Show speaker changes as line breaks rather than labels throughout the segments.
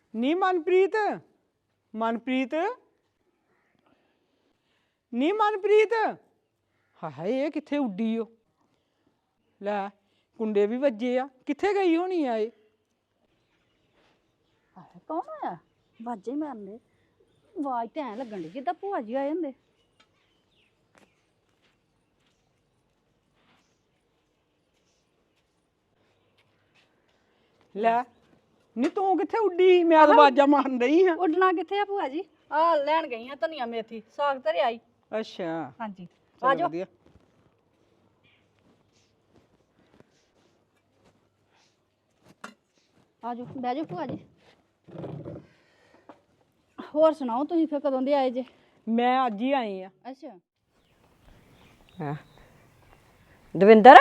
ਨੀ ਮਨਪ੍ਰੀਤ ਮਨਪ੍ਰੀਤ ਨੀ ਮਨਪ੍ਰੀਤ ਹਾਏ ਇਹ ਕਿੱਥੇ ਉੱਡੀ ਓ ਲੈ ਕੁੰਡੇ ਵੀ ਵੱਜੇ ਆ ਕਿੱਥੇ ਗਈ ਹੋਣੀ ਆ ਇਹ
ਕੌਣ ਆਇਆ ਵਾਜੇ ਮਾਰਨੇ ਆਵਾਜ਼ ਤੇ ਐ ਲੱਗਣ ਦੀ ਜਿੱਦਾਂ ਭੂਆ ਜੀ ਆਏ ਹੁੰਦੇ
ਲੈ ਨੀ ਤੂੰ ਕਿੱਥੇ ਉੱਡੀ ਮੈਂ ਤਾਂ ਆਵਾਜ਼ਾਂ ਮਾਰਨ ਰਹੀ ਹਾਂ
ਉੱਡਣਾ ਕਿੱਥੇ ਆ ਭੂਆ ਜੀ ਆ ਲੈਣ ਗਈ ਆ ਧਨੀਆ ਮੇਥੀ ਸਾਗ ਧਰਿਆ ਆਈ
ਅੱਛਾ
ਹਾਂਜੀ
ਆ ਜਾ
ਆਜੋ ਬਹਿ ਜਾਓ ਭੂਆ ਜੀ ਹੋਰ ਸੁਣਾਓ ਤੁਸੀਂ ਫਿਰ ਕਦੋਂ ਦੇ ਆਏ ਜੇ
ਮੈਂ ਅੱਜ ਹੀ ਆਈ ਆ
ਅੱਛਾ
ਦਵਿੰਦਰ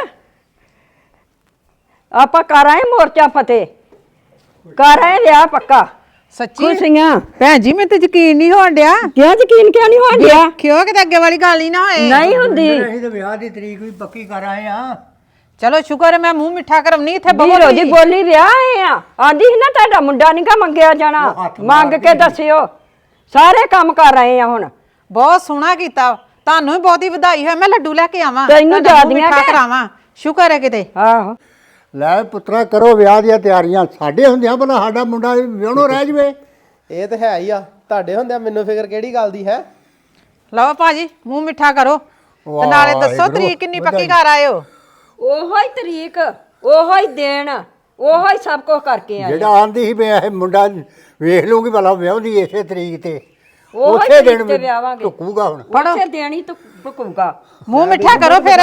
ਆਪਾਂ ਕਰ ਆਏ ਮੋਰਚਾ ਫਤਿਹ ਕਰ ਆਏ ਵਿਆਹ ਪੱਕਾ
ਸੱਚੀ
ਖੁਸ਼ੀਆਂ
ਭੈਣ ਜੀ ਮੈਨੂੰ ਤੇ ਯਕੀਨ ਨਹੀਂ ਹੋਣ ਡਿਆ
ਕਿਉਂ ਯਕੀਨ ਕਿਉਂ ਨਹੀਂ ਹੋਣ ਡਿਆ
ਕਿਉਂ ਕਿਤੇ ਅੱਗੇ ਵਾਲੀ ਗੱਲ ਹੀ ਨਾ ਹੋਏ
ਨਹੀਂ ਹੁੰਦੀ
ਅਸੀਂ ਤਾਂ ਵਿਆਹ ਦੀ ਤਰੀਕ ਵੀ ਪੱਕੀ ਕਰ ਆਏ ਆ
ਚਲੋ ਸ਼ੁਕਰ ਹੈ ਮੈਂ ਮੂੰਹ ਮਿੱਠਾ ਕਰਮਨੀ ਇੱਥੇ
ਵੀਰੋ ਦੀ ਬੋਲੀ ਵਿਆਹ ਆਏ ਆ ਆਂਦੀ ਸੀ ਨਾ ਤੁਹਾਡਾ ਮੁੰਡਾ ਨੀ ਗਾ ਮੰਗਿਆ ਜਾਣਾ ਮੰਗ ਕੇ ਦੱਸਿਓ ਸਾਰੇ ਕੰਮ ਕਰ ਰਹੇ ਆ ਹੁਣ
ਬਹੁਤ ਸੋਹਣਾ ਕੀਤਾ ਤੁਹਾਨੂੰ ਵੀ ਬਹੁਤੀ ਵਧਾਈ ਹੋਏ ਮੈਂ ਲੱਡੂ ਲੈ ਕੇ ਆਵਾਂ
ਤੈਨੂੰ
ਤੁਹਾਡਾ ਮੂੰਹ
ਜ਼ਿਆਦੀਆਂ
ਮਿੱਠਾ
ਕਿ?
ਕਰਾਵਾਂ ਸ਼ੁਕਰ ਹੈ ਕਿਤੇ
ਆਹੋ
ਲੈ ਪੁੱਤਰਾ ਕਰੋ ਵਿਆਹ ਦੀਆਂ ਤਿਆਰੀਆਂ ਸਾਡੇ ਹੁੰਦਿਆਂ ਭਲਾ ਸਾਡਾ ਮੁੰਡਾ ਵਿਆਹਣੋਂ ਰਹਿ ਜਵੇ
ਇਹ ਤਾਂ ਹੈ ਹੀ ਆ ਤੁਹਾਡੇ ਹੁੰਦਿਆਂ ਮੈਨੂੰ ਫਿਕਰ ਕਿਹੜੀ ਗੱਲ ਦੀ ਹੈ
ਲਓ ਭਾਜੀ ਮੂੰਹ ਮਿੱਠਾ ਕਰੋ ਤੇ ਨਾਲੇ ਦੱਸੋ ਤਰੀਕ ਕਿੰਨੀ ਪੱਕੀ ਕਰ ਆਇਓ
ਉਹੋ ਹੀ ਤਰੀਕ ਉਹੋ ਹੀ ਦੇਣ ਉਹੋ ਹੀ ਸਭ ਕੁਝ ਕਰਕੇ ਆਏ
ਜਿਹੜਾ ਆਂਦੀ ਸੀ ਮੈਂ ਇਹ ਮੁੰਡਾ ਵੇਖ ਲੂੰਗੀ ਭਲਾ ਵਿਆਹੁੰਦੀ ਇਸੇ ਤਰੀਕ ਤੇ
ਉਹੋ ਹੀ
ਉਸੇ
ਤਰੀਕ
ਦਿਨ
ਤੇ ਵਿਆਹਾਂਗੇ
ਟੁੱਕੂਗਾ ਹੁਣ
ਉਸੇ ਦੇਣੀ ਤੂੰ ਭੁਕੂਗਾ
ਮੂੰਹ ਮਿੱਠਾ ਕਰੋ ਫਿਰ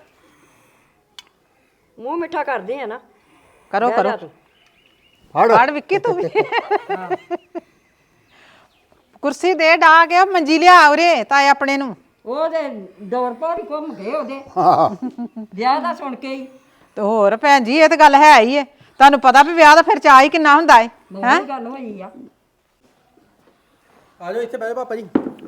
ਮੂੰਹ ਮਿੱਠਾ ਕਰਦੇ ਆ ਨਾ
ਕਰੋ
ਬਹਿ
ਕਰੋ
ਜਾ ਤੂੰ।
ਫੜ ਵਿੱਕੀ ਤੂੰ ਵੀ ਕੁਰਸੀ ਦੇ ਡਾ ਕੇ ਮੰਜੀ ਲਿਆ ਉਰੇ ਤਾਏ ਆਪਣੇ ਨੂੰ
ਉਹਦੇ ਦੌਰ ਪਰ ਘੁੰਮ ਗਏ ਉਹਦੇ ਵਿਆਹ ਦਾ ਸੁਣ ਕੇ ਹੀ
ਤੇ ਹੋਰ ਭੈਣ ਜੀ ਇਹ ਤਾਂ ਗੱਲ ਹੈ ਹੀ ਹੈ ਤੁਹਾਨੂੰ ਪਤਾ ਵੀ ਵਿਆਹ ਦਾ ਫਿਰ ਚਾਅ ਹੀ ਕਿੰਨਾ ਹੁੰਦਾ ਹੈ
ਬਹੁਤ ਗੱਲ ਹੋਈ ਆ
ਆ ਜਾਓ ਇੱਥੇ ਬਹਿ ਜਾਓ ਪਾਪਾ ਜੀ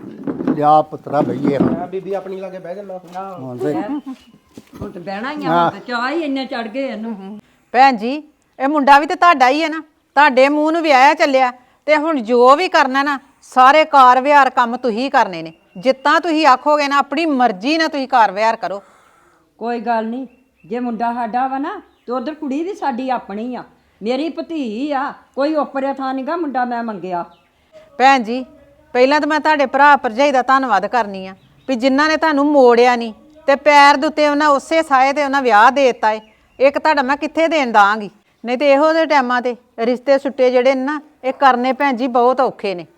ਲਿਆ ਪੁੱਤਰਾ ਬਈਏ ਹੁਣ
ਮੈਂ ਬੀਬੀ ਆਪਣੀ ਲਾਗੇ ਬਹਿ ਜੰਨਾ
ਹੁਣ ਤੇ
ਹੁਣ ਤੇ ਬਹਿਣਾ ਹੀ ਆ ਚਾਹ ਹੀ ਇੰਨੇ ਚੜ ਗਏ ਇਹਨੂੰ
ਭੈਣ ਜੀ ਇਹ ਮੁੰਡਾ ਵੀ ਤੇ ਤੁਹਾਡਾ ਹੀ ਹੈ ਨਾ ਤੁਹਾਡੇ ਮੂੰਹ ਨੂੰ ਵਿਆਹਿਆ ਚੱਲਿਆ ਤੇ ਹੁਣ ਜੋ ਵੀ ਕਰਨਾ ਨਾ ਸਾਰੇ ਕਾਰ ਵਿਹਾਰ ਕੰਮ ਤੁਸੀਂ ਕਰਨੇ ਨੇ ਜਿੱਤਾਂ ਤੁਸੀਂ ਆਖੋਗੇ ਨਾ ਆਪਣੀ ਮਰਜ਼ੀ ਨਾਲ ਤੁਸੀਂ ਕਾਰ ਵਿਹਾਰ ਕਰੋ
ਕੋਈ ਗੱਲ ਨਹੀਂ ਜੇ ਮੁੰਡਾ ਸਾਡਾ ਵਾ ਨਾ ਤੇ ਉਧਰ ਕੁੜੀ ਵੀ ਸਾਡੀ ਆਪਣੀ ਆ ਮੇਰੀ ਭਤੀ ਆ ਕੋਈ ਓਪਰੇ ਥਾਂ ਨੀਗਾ ਮੁੰਡਾ ਮੈਂ ਮੰਗਿਆ
ਭੈਣ ਜੀ ਪਹਿਲਾਂ ਤਾਂ ਮੈਂ ਤੁਹਾਡੇ ਭਰਾ ਭਰਜਾਈ ਦਾ ਧੰਨਵਾਦ ਕਰਨੀ ਆ ਵੀ ਜਿਨ੍ਹਾਂ ਨੇ ਤੁਹਾਨੂੰ ਮੋੜਿਆ ਨਹੀਂ ਤੇ ਪੈਰ ਦੇ ਉੱਤੇ ਉਹਨਾਂ ਉਸੇ ਸਾਏ ਤੇ ਉਹਨਾਂ ਵਿਆਹ ਦੇ ਦਿੱਤਾ ਏ ਇੱਕ ਤੁਹਾਡਾ ਮੈਂ ਕਿੱਥੇ ਦੇਣ ਦਾਂਗੀ ਨਹੀਂ ਤੇ ਇਹੋ ਜਿਹੇ ਟਾਈਮਾਂ ਤੇ ਰਿਸ਼ਤੇ ਸੁੱਟੇ ਜਿਹੜੇ ਨੇ ਨਾ ਇਹ ਕਰਨੇ ਭੈਣ ਜੀ ਬਹੁਤ ਔਖੇ ਨੇ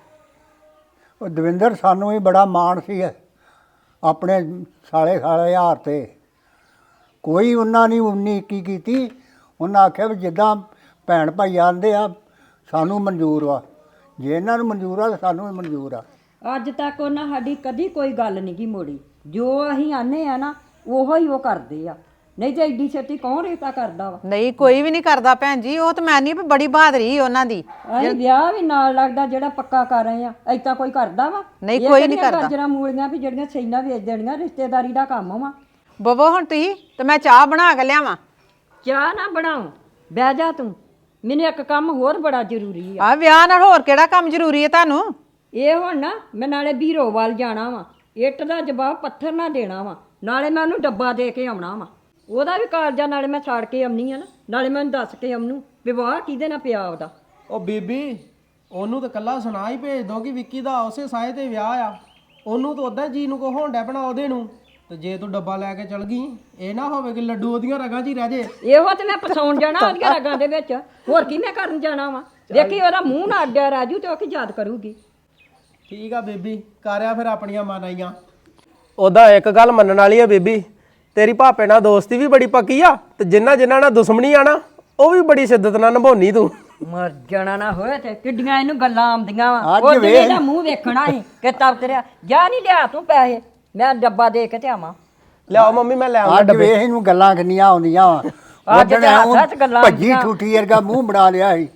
ਉਹ ਦਵਿੰਦਰ ਸਾਨੂੰ ਵੀ ਬੜਾ ਮਾਣ ਸੀ ਆਪਣੇ ਸਾਲੇ ਹਾਰ ਤੇ ਕੋਈ ਉਹਨਾਂ ਨੇ 19 21 ਕੀਤੀ ਉਹਨਾਂ ਆਖਿਆ ਵੀ ਜਿੱਦਾਂ ਭੈਣ ਭਾਈ ਆਂਦੇ ਆ ਸਾਨੂੰ ਮਨਜ਼ੂਰ ਵਾ ਜੇ ਇਹਨਾਂ ਨੂੰ ਮਨਜ਼ੂਰ ਆ ਤਾਂ ਸਾਨੂੰ ਵੀ ਮਨਜ਼ੂਰ ਆ
ਅੱਜ ਤੱਕ ਉਹਨਾਂ ਸਾਡੀ ਕਦੀ ਕੋਈ ਗੱਲ ਨਹੀਂ ਗੀ ਮੋੜੀ ਜੋ ਅਸੀਂ ਆਨੇ ਆ ਨਾ ਉਹੋ ਹੀ ਉਹ ਕਰਦੇ ਆ ਨਹੀਂ ਤੇ ਐਡੀ ਛੇਤੀ ਕੌਣ ਰੇਤਾ ਕਰਦਾ ਵਾ
ਨਹੀਂ ਕੋਈ ਵੀ ਨਹੀਂ ਕਰਦਾ ਭੈਣ ਜੀ ਉਹ ਤਾਂ ਮੈਂ ਨਹੀਂ ਬੜੀ ਬਹਾਦਰੀ ਉਹਨਾਂ ਦੀ
ਅਸੀਂ ਵਿਆਹ ਵੀ ਨਾਲ ਲੱਗਦਾ ਜਿਹੜਾ ਪੱਕਾ ਕਰ ਰਹੇ ਆ ਐਦਾਂ ਕੋਈ ਕਰਦਾ ਵਾ
ਨਹੀਂ, ਕੋਈ ਨਹੀਂ ਕਰਦਾ।
ਗਾਜਰਾਂ ਮੂਲੀਆਂ ਵੀ ਜਿਹੜੀਆਂ ਸੈਨਾ ਵੇਚ ਦੇਣੀਆਂ ਰਿਸ਼ਤੇਦਾਰੀ ਦਾ ਕੰਮ ਵਾ
ਬਵੋ ਹੁਣ ਤੁਸੀਂ ਤੇ ਮੈਂ ਚਾਹ ਬਣਾ ਕੇ ਲਿਆਵਾਂ
ਚਾਹ ਨਾ ਬਣਾਓ ਬਹਿ ਜਾ ਤੂੰ ਮੈਨੂੰ ਇੱਕ ਕੰਮ ਹੋਰ ਬੜਾ ਜ਼ਰੂਰੀ ਆ
ਆ ਵਿਆਹ ਨਾਲ ਹੋਰ ਕਿਹੜਾ ਕੰਮ ਜ਼ਰੂਰੀ ਹੈ ਤੁਹਾਨੂੰ
ਇਹ ਹੁਣ ਨਾ ਮੈਂ ਨਾਲੇ ਬੀਰੋ ਵੱਲ ਜਾਣਾ ਵਾ ਇੱਟ ਦਾ ਜਵਾਬ ਪੱਥਰ ਨਾ ਦੇਣਾ ਵਾ ਨਾਲੇ ਮੈਂ ਉਹਨੂੰ ਡੱਬਾ ਦੇ ਕੇ ਆਉਣਾ ਵਾ ਉਹਦਾ ਵੀ ਕਾਲਜਾ ਨਾਲੇ ਮੈਂ ਛਾੜ ਕੇ ਆਉਣੀ ਆ ਨਾ ਨਾਲੇ ਮੈਂ ਦੱਸ ਕੇ ਆਉਣੂ ਵਿਵਾਹ ਕਿਹਦੇ ਨਾਲ ਪਿਆ ਉਹਦਾ
ਉਹ ਬੀਬੀ ਉਹਨੂੰ ਤਾਂ ਕੱਲਾ ਸੁਣਾ ਹੀ ਭੇਜ ਦੋ ਕਿ ਵਿੱਕੀ ਦਾ ਉਸੇ ਸਾਏ ਤੇ ਵਿਆਹ ਆ ਉਹਨੂੰ ਤਾਂ ਉਦਾਂ ਜੀ ਨੂੰ ਕੋ ਹੋਂਡਾ ਬਣਾ ਉਹਦੇ ਨੂੰ ਤੇ ਜੇ ਤੂੰ ਡੱਬਾ ਲੈ ਕੇ ਚਲ ਗਈ ਇਹ ਨਾ ਹੋਵੇ ਕਿ ਲੱਡੂ ਉਹਦੀਆਂ ਰਗਾਂ 'ਚ ਹੀ ਰਹਿ ਜੇ
ਇਹੋ ਤੇ ਮੈਂ ਫਸਾਉਣ ਜਾਣਾ ਉਹਦੀਆਂ ਰਗਾਂ ਦੇ ਵਿੱਚ ਹੋਰ ਕੀ ਮੈਂ ਕਰਨ ਜਾਣਾ ਵਾ ਦੇਖੀ ਉਹਦਾ ਮੂੰਹ ਨਾ ਅੱਡਿਆ ਰਾਜੂ ਤੇ ਉਹ ਕੀ ਯਾਦ ਕਰੂਗੀ
ਠੀਕ ਆ ਬੀਬੀ ਕਰਿਆ ਫਿਰ ਆਪਣੀਆਂ ਮਨਾਈਆਂ ਉਹਦਾ ਇੱਕ ਗੱਲ ਮੰਨਣ ਵਾਲੀ ਆ ਬੀਬੀ ਤੇਰੀ ਭਾਪੇ ਨਾਲ ਦੋਸਤੀ ਵੀ ਬੜੀ ਪੱਕੀ ਆ ਤੇ ਜਿੰਨਾ ਨਾਲ ਦੁਸ਼ਮਣੀ ਆ ਨਾ ਉਹ ਵੀ ਬੜੀ ਸ਼ਿੱਦਤ ਨਾਲ ਨਿਭਾਉਣੀ ਤੂੰ
ਮਰ ਜਾਣਾ ਨਾ ਹੋਏ ਤੇ ਕਿੱਡੀਆਂ ਇਹਨੂੰ ਗੱਲਾਂ ਆਉਂਦੀਆਂ ਵਾ
ਅੱਜ
ਉਹ
ਵੇਖ।
ਇਹਦਾ ਮੂੰਹ ਵੇਖਣਾ ਸੀ ਕਿ ਤਬ ਤੇਰਾ ਜਾ ਨਹੀਂ ਲਿਆ ਤੂੰ ਪੈਸੇ ਮੈਂ ਡੱਬਾ ਦੇ ਕੇ ਤੇ ਆਵਾਂ
ਲਿਆਓ ਮੰਮੀ ਮੈਂ ਲੈ ਆਉਂਦਾ
ਅੱਜ ਵੇਖ ਇਹਨੂੰ ਗੱਲਾਂ ਕਿੰਨੀਆਂ ਆਉਂਦੀਆਂ ਵਾ
ਅੱਜ ਤੇ ਹੱਥਾਂ 'ਚ ਗੱਲਾਂ
ਭੱਜੀ
ਆਉਂਦੀਆਂ।
ਠੂਠੀ ਵਰਗਾ ਮੂੰਹ ਬਣਾ ਲਿਆ ਸੀ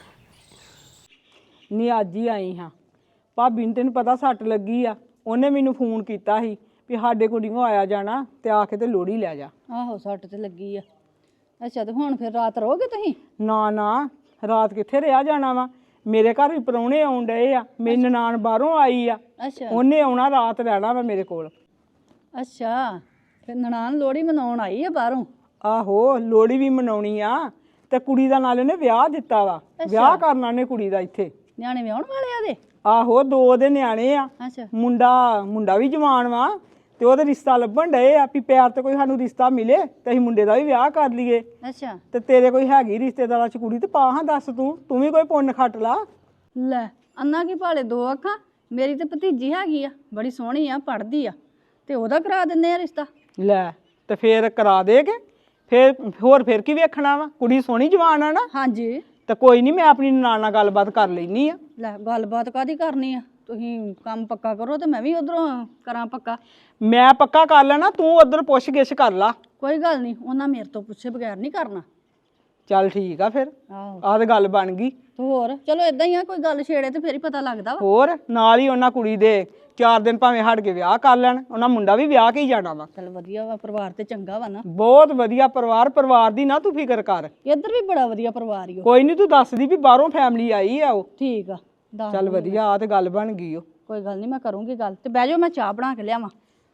ਨੀ ਅੱਜ ਹੀ ਆਈ ਹਾਂ ਭਾਬੀ ਨੂੰ ਤੈਨੂੰ ਪਤਾ ਸੱਟ ਲੱਗੀ ਆ ਉਹਨੇ ਮੈਨੂੰ ਫੋਨ ਕੀਤਾ ਸੀ ਵੀ ਸਾਡੇ ਕੁੜੀਆਂ ਆਇਆ ਜਾਣਾ ਤੇ ਆ ਕੇ ਤੇ ਲੋਹੜੀ ਲੈ ਜਾ
ਆਹੋ ਸੱਟ ਤੇ ਲੱਗੀ ਆ ਅੱਛਾ ਤੇ ਹੁਣ ਫਿਰ ਰਾਤ ਰਹੋਗੇ ਤੁਸੀਂ
ਨਾ ਨਾ ਰਾਤ ਕਿੱਥੇ ਰਿਹਾ ਜਾਣਾ ਵਾ ਮੇਰੇ ਘਰ ਵੀ ਪ੍ਰਾਹੁਣੇ ਆਉਣ ਡਏ ਆ, ਮੇਰੀ ਨਨਾਣ ਬਾਹਰੋਂ ਆਈ ਆ,
ਅੱਛਾ
ਉਹਨੇ ਆਉਣਾ ਰਾਤ ਰਹਿਣਾ ਵਾ ਮੇਰੇ ਕੋਲ।
ਅੱਛਾ ਫਿਰ ਨਨਾਣ ਲੋਹੜੀ ਮਨਾਉਣ ਆਈ ਆ ਬਾਹਰੋਂ?
ਆਹੋ ਲੋਹੜੀ ਵੀ ਮਨਾਉਣੀ ਆ ਤੇ ਕੁੜੀ ਦਾ ਨਾਲ ਇਹਨੇ ਵਿਆਹ ਦਿੱਤਾ ਵਾ, ਵਿਆਹ ਕਰਨਾ ਨੇ ਕੁੜੀ ਦਾ ਇੱਥੇ।
ਨਿਆਣੇ ਵਿਆਹਣ ਵਾਲੇ ਆ ਦੇ?
ਆਹੋ 2 ਦੇ ਨਿਆਣੇ ਆ,
ਅੱਛਾ
ਮੁੰਡਾ ਵੀ ਜਵਾਨ ਵਾ ਤੇ ਉਹਦੇ ਰਿਸ਼ਤਾ ਲੱਭਣ ਡਏ ਆ ਵੀ ਪਿਆਰ ਤੇ ਕੋਈ ਸਾਨੂੰ ਰਿਸ਼ਤਾ ਮਿਲੇ ਤੇ ਅਸੀਂ ਮੁੰਡੇ ਦਾ ਵੀ ਵਿਆਹ ਕਰ ਲਈਏ।
ਅੱਛਾ
ਤੇ ਤੇਰੇ ਕੋਈ ਹੈਗੀ ਰਿਸ਼ਤੇਦਾਰਾਂ ਚ ਕੁੜੀ ਤੇ ਪਾ ਹਾਂ ਦੱਸ, ਤੂੰ ਵੀ ਕੋਈ ਪੁੰਨ ਖੱਟ ਲਾ।
ਲੈ ਅੰਨਾ ਕੀ ਭਾਲੇ 2 ਅੱਖਾਂ, ਮੇਰੀ ਤੇ ਭਤੀਜੀ ਹੈਗੀ ਆ, ਬੜੀ ਸੋਹਣੀ ਆ, ਪੜ੍ਹਦੀ ਆ, ਤੇ ਉਹਦਾ ਕਰਾ ਦਿੰਦੇ ਆ ਰਿਸ਼ਤਾ।
ਲੈ ਤੇ ਫੇਰ ਕਰਾ ਦੇਗੇ, ਫੇਰ ਕੀ ਵੇਖਣਾ ਵਾ, ਕੁੜੀ ਸੋਹਣੀ ਜਵਾਨ ਆ ਨਾ।
ਹਾਂਜੀ
ਤੇ ਕੋਈ ਨਹੀਂ, ਮੈਂ ਆਪਣੀ ਨਨਾਣ ਨਾਲ ਗੱਲਬਾਤ ਕਰ ਲੈਣੀ ਆ।
ਲੈ ਗੱਲਬਾਤ ਕਾਦੀ ਕਰਨੀ ਆ, ਤੁਸੀਂ ਕੰਮ ਪੱਕਾ ਕਰੋ ਤੇ ਮੈਂ ਵੀ ਉਧਰੋਂ ਕਰਾਂ ਪੱਕਾ।
ਮੈਂ ਪੱਕਾ ਕਰ ਲੈਣਾ, ਤੂੰ ਉਧਰ ਪੁੱਛ ਗਿੱਛ ਕਰ ਲਾ।
ਕੋਈ ਗੱਲ ਨਹੀਂ, ਉਹਨਾਂ ਮੇਰੇ ਤੋਂ ਪੁੱਛੇ ਬਗੈਰ ਨਹੀਂ ਕਰਨਾ।
ਚੱਲ ਠੀਕ ਆ ਫਿਰ,
ਆਹੋ
ਆਹ ਤੇ ਗੱਲ ਬਣ ਗਈ।
ਤੇ ਹੋਰ ਚਲੋ ਇਦਾਂ ਹੀ ਆ, ਕੋਈ ਗੱਲ ਛੇੜੇ ਤੇ ਫੇਰ ਹੀ ਪਤਾ ਲੱਗਦਾ ਵਾ।
ਹੋਰ ਨਾਲ ਹੀ ਉਹਨਾਂ ਕੁੜੀ ਦੇ 4 ਦਿਨ ਭਾਵੇਂ ਹਟ ਕੇ ਵਿਆਹ ਕਰ ਲੈਣ, ਉਹਨਾਂ ਮੁੰਡਾ ਵੀ ਵਿਆਹ ਕੇ ਹੀ ਜਾਣਾ ਵਾ।
ਚਲ ਵਧੀਆ ਵਾ, ਪਰਿਵਾਰ ਤੇ ਚੰਗਾ ਵਾ ਨਾ।
ਬਹੁਤ ਵਧੀਆ ਪਰਿਵਾਰ ਦੀ ਨਾ ਤੂੰ ਫਿਕਰ ਕਰ।
ਇੱਧਰ ਵੀ ਬੜਾ ਵਧੀਆ ਪਰਿਵਾਰ ਹੀ।
ਕੋਈ ਨਹੀਂ, ਤੂੰ ਦੱਸਦੀ ਵੀ ਬਾਹਰੋਂ ਫੈਮਿਲੀ ਆਈ ਆ ਉਹ।
ਠੀਕ ਆ ਦੱਸ।
ਚੱਲ ਵਧੀਆ, ਆ ਤੇ ਗੱਲ ਬਣ ਗਈ ਉਹ।
ਕੋਈ ਗੱਲ ਨਹੀਂ, ਮੈਂ ਕਰੂੰਗੀ ਗੱਲ। ਤੇ ਬਹਿ ਜਾਓ, ਮੈਂ ਚਾਹ ਬਣਾ ਕੇ ਲਿਆਵਾਂ।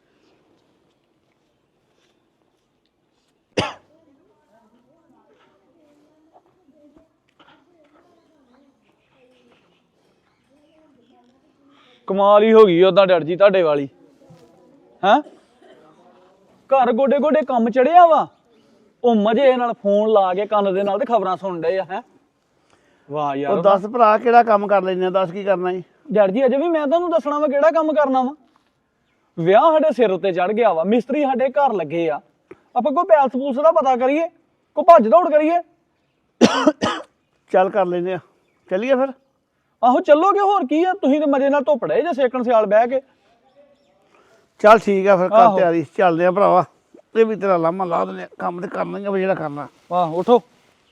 ਕਮਾਲ ਹੀ ਹੋ ਗਈ ਉਦਾਂ ਡਰ ਜੀ ਤੁਹਾਡੇ ਵਾਲੀ ਹੈਂ। ਘਰ ਗੋਡੇ ਗੋਡੇ ਕੰਮ ਚੜਿਆ ਵਾ, ਉਹ ਮਜੇ ਨਾਲ ਫੋਨ ਲਾ ਕੇ ਕੰਨ ਦੇ ਨਾਲ ਤੇ ਖਬਰਾਂ ਸੁਣ ਡਏ ਆ। ਹੈ ਵਾਹ ਯਾਰ।
ਉਹ ਦੱਸ ਭਰਾ ਕਿਹੜਾ ਕੰਮ ਕਰ ਲੈਂਦੇ ਆ, ਦੱਸ ਕੀ ਕਰਨਾ ਜੀ?
ਡਰ ਜੀ ਅਜੇ ਵੀ ਮੈਂ ਤੁਹਾਨੂੰ ਦੱਸਣਾ ਵਾ ਕਿਹੜਾ ਕੰਮ ਕਰਨਾ ਵਾ। ਵਿਆਹ ਸਾਡੇ ਸਿਰ ਉੱਤੇ ਚੜ ਗਿਆ ਵਾ, ਮਿਸਤਰੀ ਸਾਡੇ ਘਰ ਲੱਗੇ ਆ, ਆਪਾਂ ਕੋਈ ਪੈਲਸ ਪੂਲਸ ਦਾ ਪਤਾ ਕਰੀਏ, ਕੋਈ ਭੱਜ ਦੌੜ ਕਰੀਏ।
ਚੱਲ ਕਰ ਲੈਂਦੇ ਆ, ਚੱਲੀਏ ਫਿਰ।
ਆਹੋ ਚੱਲੋਗੇ, ਹੋਰ ਕੀ ਆ, ਤੁਸੀਂ ਤੇ ਮਜੇ ਨਾਲ ਧੁੱਪ ਡੇ ਜੇ ਸੇਕਣ ਸਿਆਲ ਬਹਿ ਕੇ।
ਚੱਲ ਠੀਕ ਆ ਫਿਰ, ਕਰ
ਆਹੋ।
ਤਿਆਰੀ, ਚੱਲਦੇ ਆ ਭਰਾਵਾ। ਇਹ ਵੀ ਤੇਰਾ ਲਾਮਾ ਲਾ ਦਿੰਦੇ ਆ, ਕੰਮ ਤੇ ਕਰਨਾ ਹੀ ਆ ਵੀ ਜਿਹੜਾ ਕਰਨਾ।
ਆਹ ਉਠੋ।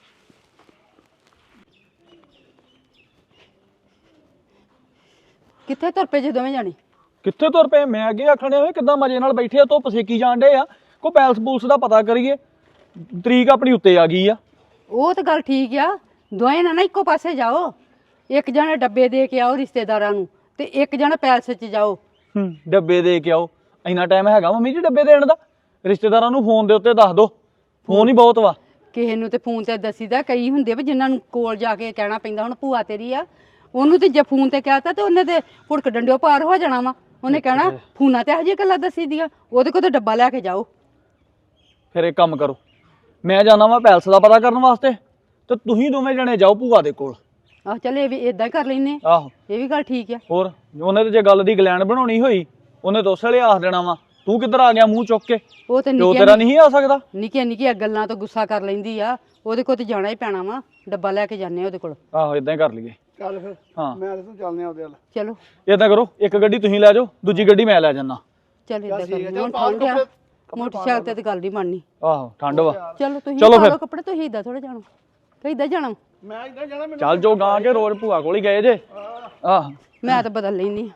ਕਿੱਥੇ ਤੁਰ ਪਏ ਜੇ ਦੋਵੇਂ ਜਾਣੇ?
ਕਿੱਥੇ ਤੁਰ ਪਏ, ਮੈਂ ਅੱਗੇ ਆਖਣੇ ਹੋਏ ਕਿੱਦਾਂ ਮਜੇ ਨਾਲ ਬੈਠੇ ਆ, ਧੁੱਪ ਸੇਕੀ ਜਾਣ ਡੇ ਆ, ਕੋਈ ਪੈਲਸ ਪੂਲਸ ਦਾ ਪਤਾ ਕਰੀਏ। ਤਰੀਕ ਆਪਣੀ ਉੱਤੇ ਆ ਗਈ ਆ।
ਉਹ ਤਾਂ ਗੱਲ ਠੀਕ ਆ, ਦੋਵੇਂ ਨਾ ਇੱਕੋ ਪਾਸੇ ਜਾਓ। ਇੱਕ ਜਣਾ ਡੱਬੇ ਦੇ ਕੇ ਆਓ ਰਿਸ਼ਤੇਦਾਰਾਂ ਨੂੰ, ਤੇ ਇੱਕ ਜਣਾ ਪੈਲਸ 'ਚ ਜਾਓ।
ਡੱਬੇ ਦੇ ਕੇ ਆਓ, ਇੰਨਾ ਟਾਈਮ ਹੈਗਾ ਮੰਮੀ ਜੀ ਡੱਬੇ ਦੇਣ ਦਾ? ਰਿਸ਼ਤੇਦਾਰਾਂ ਨੂੰ ਫੋਨ ਦੇ ਉੱਤੇ ਦੱਸ ਦੋ, ਫੋਨ ਹੀ ਬਹੁਤ ਵਾ।
ਕਿਸੇ ਨੂੰ ਤੇ ਫੋਨ ਤੇ ਦੱਸੀਦਾ, ਕਈ ਹੁੰਦੇ ਵੀ ਜਿਨ੍ਹਾਂ ਨੂੰ ਕੋਲ ਜਾ ਕੇ ਕਹਿਣਾ ਪੈਂਦਾ। ਹੁਣ ਭੂਆ ਤੇਰੀ ਆ, ਉਹਨੂੰ ਤੇ ਜੇ ਫੋਨ ਤੇ ਕਹਿਤਾ ਤੇ ਉਹਨੇ ਤੇ ਹੁੜਕ ਡੰਡਿਓ ਪਾਰ ਹੋ ਜਾਣਾ ਵਾ। ਉਹਨੇ ਕਹਿਣਾ ਫੋਨਾਂ ਤੇ ਇਹੋ ਜਿਹੀਆਂ ਗੱਲਾਂ ਦੱਸੀ ਦੀਆਂ, ਉਹਦੇ ਕੋਲ ਤੇ ਡੱਬਾ ਲੈ ਕੇ ਜਾਓ।
ਫਿਰ ਇੱਕ ਕੰਮ ਕਰੋ, ਮੈਂ ਜਾਣਾ ਵਾ ਪੈਲਸ ਦਾ ਪਤਾ ਕਰਨ ਵਾਸਤੇ, ਤੇ ਤੁਸੀਂ ਦੋਵੇਂ ਜਣੇ ਜਾਓ ਭੂਆ ਦੇ ਕੋਲ।
ਆਹ ਚੱਲ ਇਹ ਵੀ ਇਦਾਂ ਹੀ ਕਰ ਲੈਨੇ,
ਆਹੋ
ਇਹ ਵੀ ਗੱਲ ਠੀਕ ਆ।
ਹੋਰ ਉਹਨੇ ਤੇ ਜੇ ਗੱਲ ਦੀ ਗਲੈਂਡ ਬਣਾਉਣੀ ਹੋਈ, ਉਹਨੇ ਤਾਂ ਉਸ ਵੇਲੇ ਆਖ ਦੇਣਾ ਵਾ ਤੂੰ ਕਿੱਧਰ ਆ ਗਿਆ ਮੂੰਹ ਚੁੱਕ ਕੇ,
ਉਹ ਤੇ
ਪਿਓ ਤੇਰਾ ਨਹੀਂ ਆ ਸਕਦਾ।
ਨਿੱਕੀਆਂ ਨਿੱਕੀਆਂ ਗੱਲਾਂ ਤੋਂ ਗੁੱਸਾ ਕਰ ਲੈਂਦੀ ਆ, ਉਹਦੇ ਕੋਲ ਤੇ ਜਾਣਾ ਹੀ ਪੈਣਾ ਵਾ। ਡੱਬਾ ਲੈ ਕੇ ਜਾਂਦੇ ਆ ਉਹਦੇ ਕੋਲ।
ਆਹੋ ਇਦਾਂ ਹੀ ਕਰ ਲਈਏ।
ਚੱਲ ਫਿਰ,
ਹਾਂ
ਮੈਂ ਤੇ ਤੂੰ ਚੱਲਦੇ ਆ ਉਹਦੇ ਵੱਲ।
ਚਲੋ
ਇਦਾਂ ਕਰੋ, ਇੱਕ ਗੱਡੀ ਤੁਸੀਂ ਲੈ ਜਾਓ, ਦੂਜੀ ਗੱਡੀ ਮੈਂ ਲੈ ਜਾਣਾ।
ਚੱਲ ਇਦਾਂ ਕਰ, ਹੁਣ ਠੰਡ ਆ, ਮੋਟਰਸਾਈਕਲ ਤੇ ਗੱਲ ਨਹੀਂ ਬਣਨੀ।
ਆਹੋ ਠੰਡ ਵਾ।
ਚਲੋ ਤੁਸੀਂ
ਚਲੋ
ਪਾ
ਫਿਰ।
ਲਓ ਕੱਪੜੇ, ਤੁਸੀਂ ਇਦਾਂ ਥੋੜਾ ਜਾਣਾ, ਤੇ ਇਦਾਂ ਜਾਣਾ।
ਮੈਂ ਇੱਦਾਂ ਜਾਣਾ, ਮੈਨੂੰ
ਚੱਲ ਜੋ ਗਾਂ ਕੇ ਰੋਜ਼ ਭੂਆ ਕੋਲ ਹੀ ਗਏ ਜੇ। ਆਹ
ਮੈਂ ਤਾਂ ਬਦਲ ਲੈਣੀ।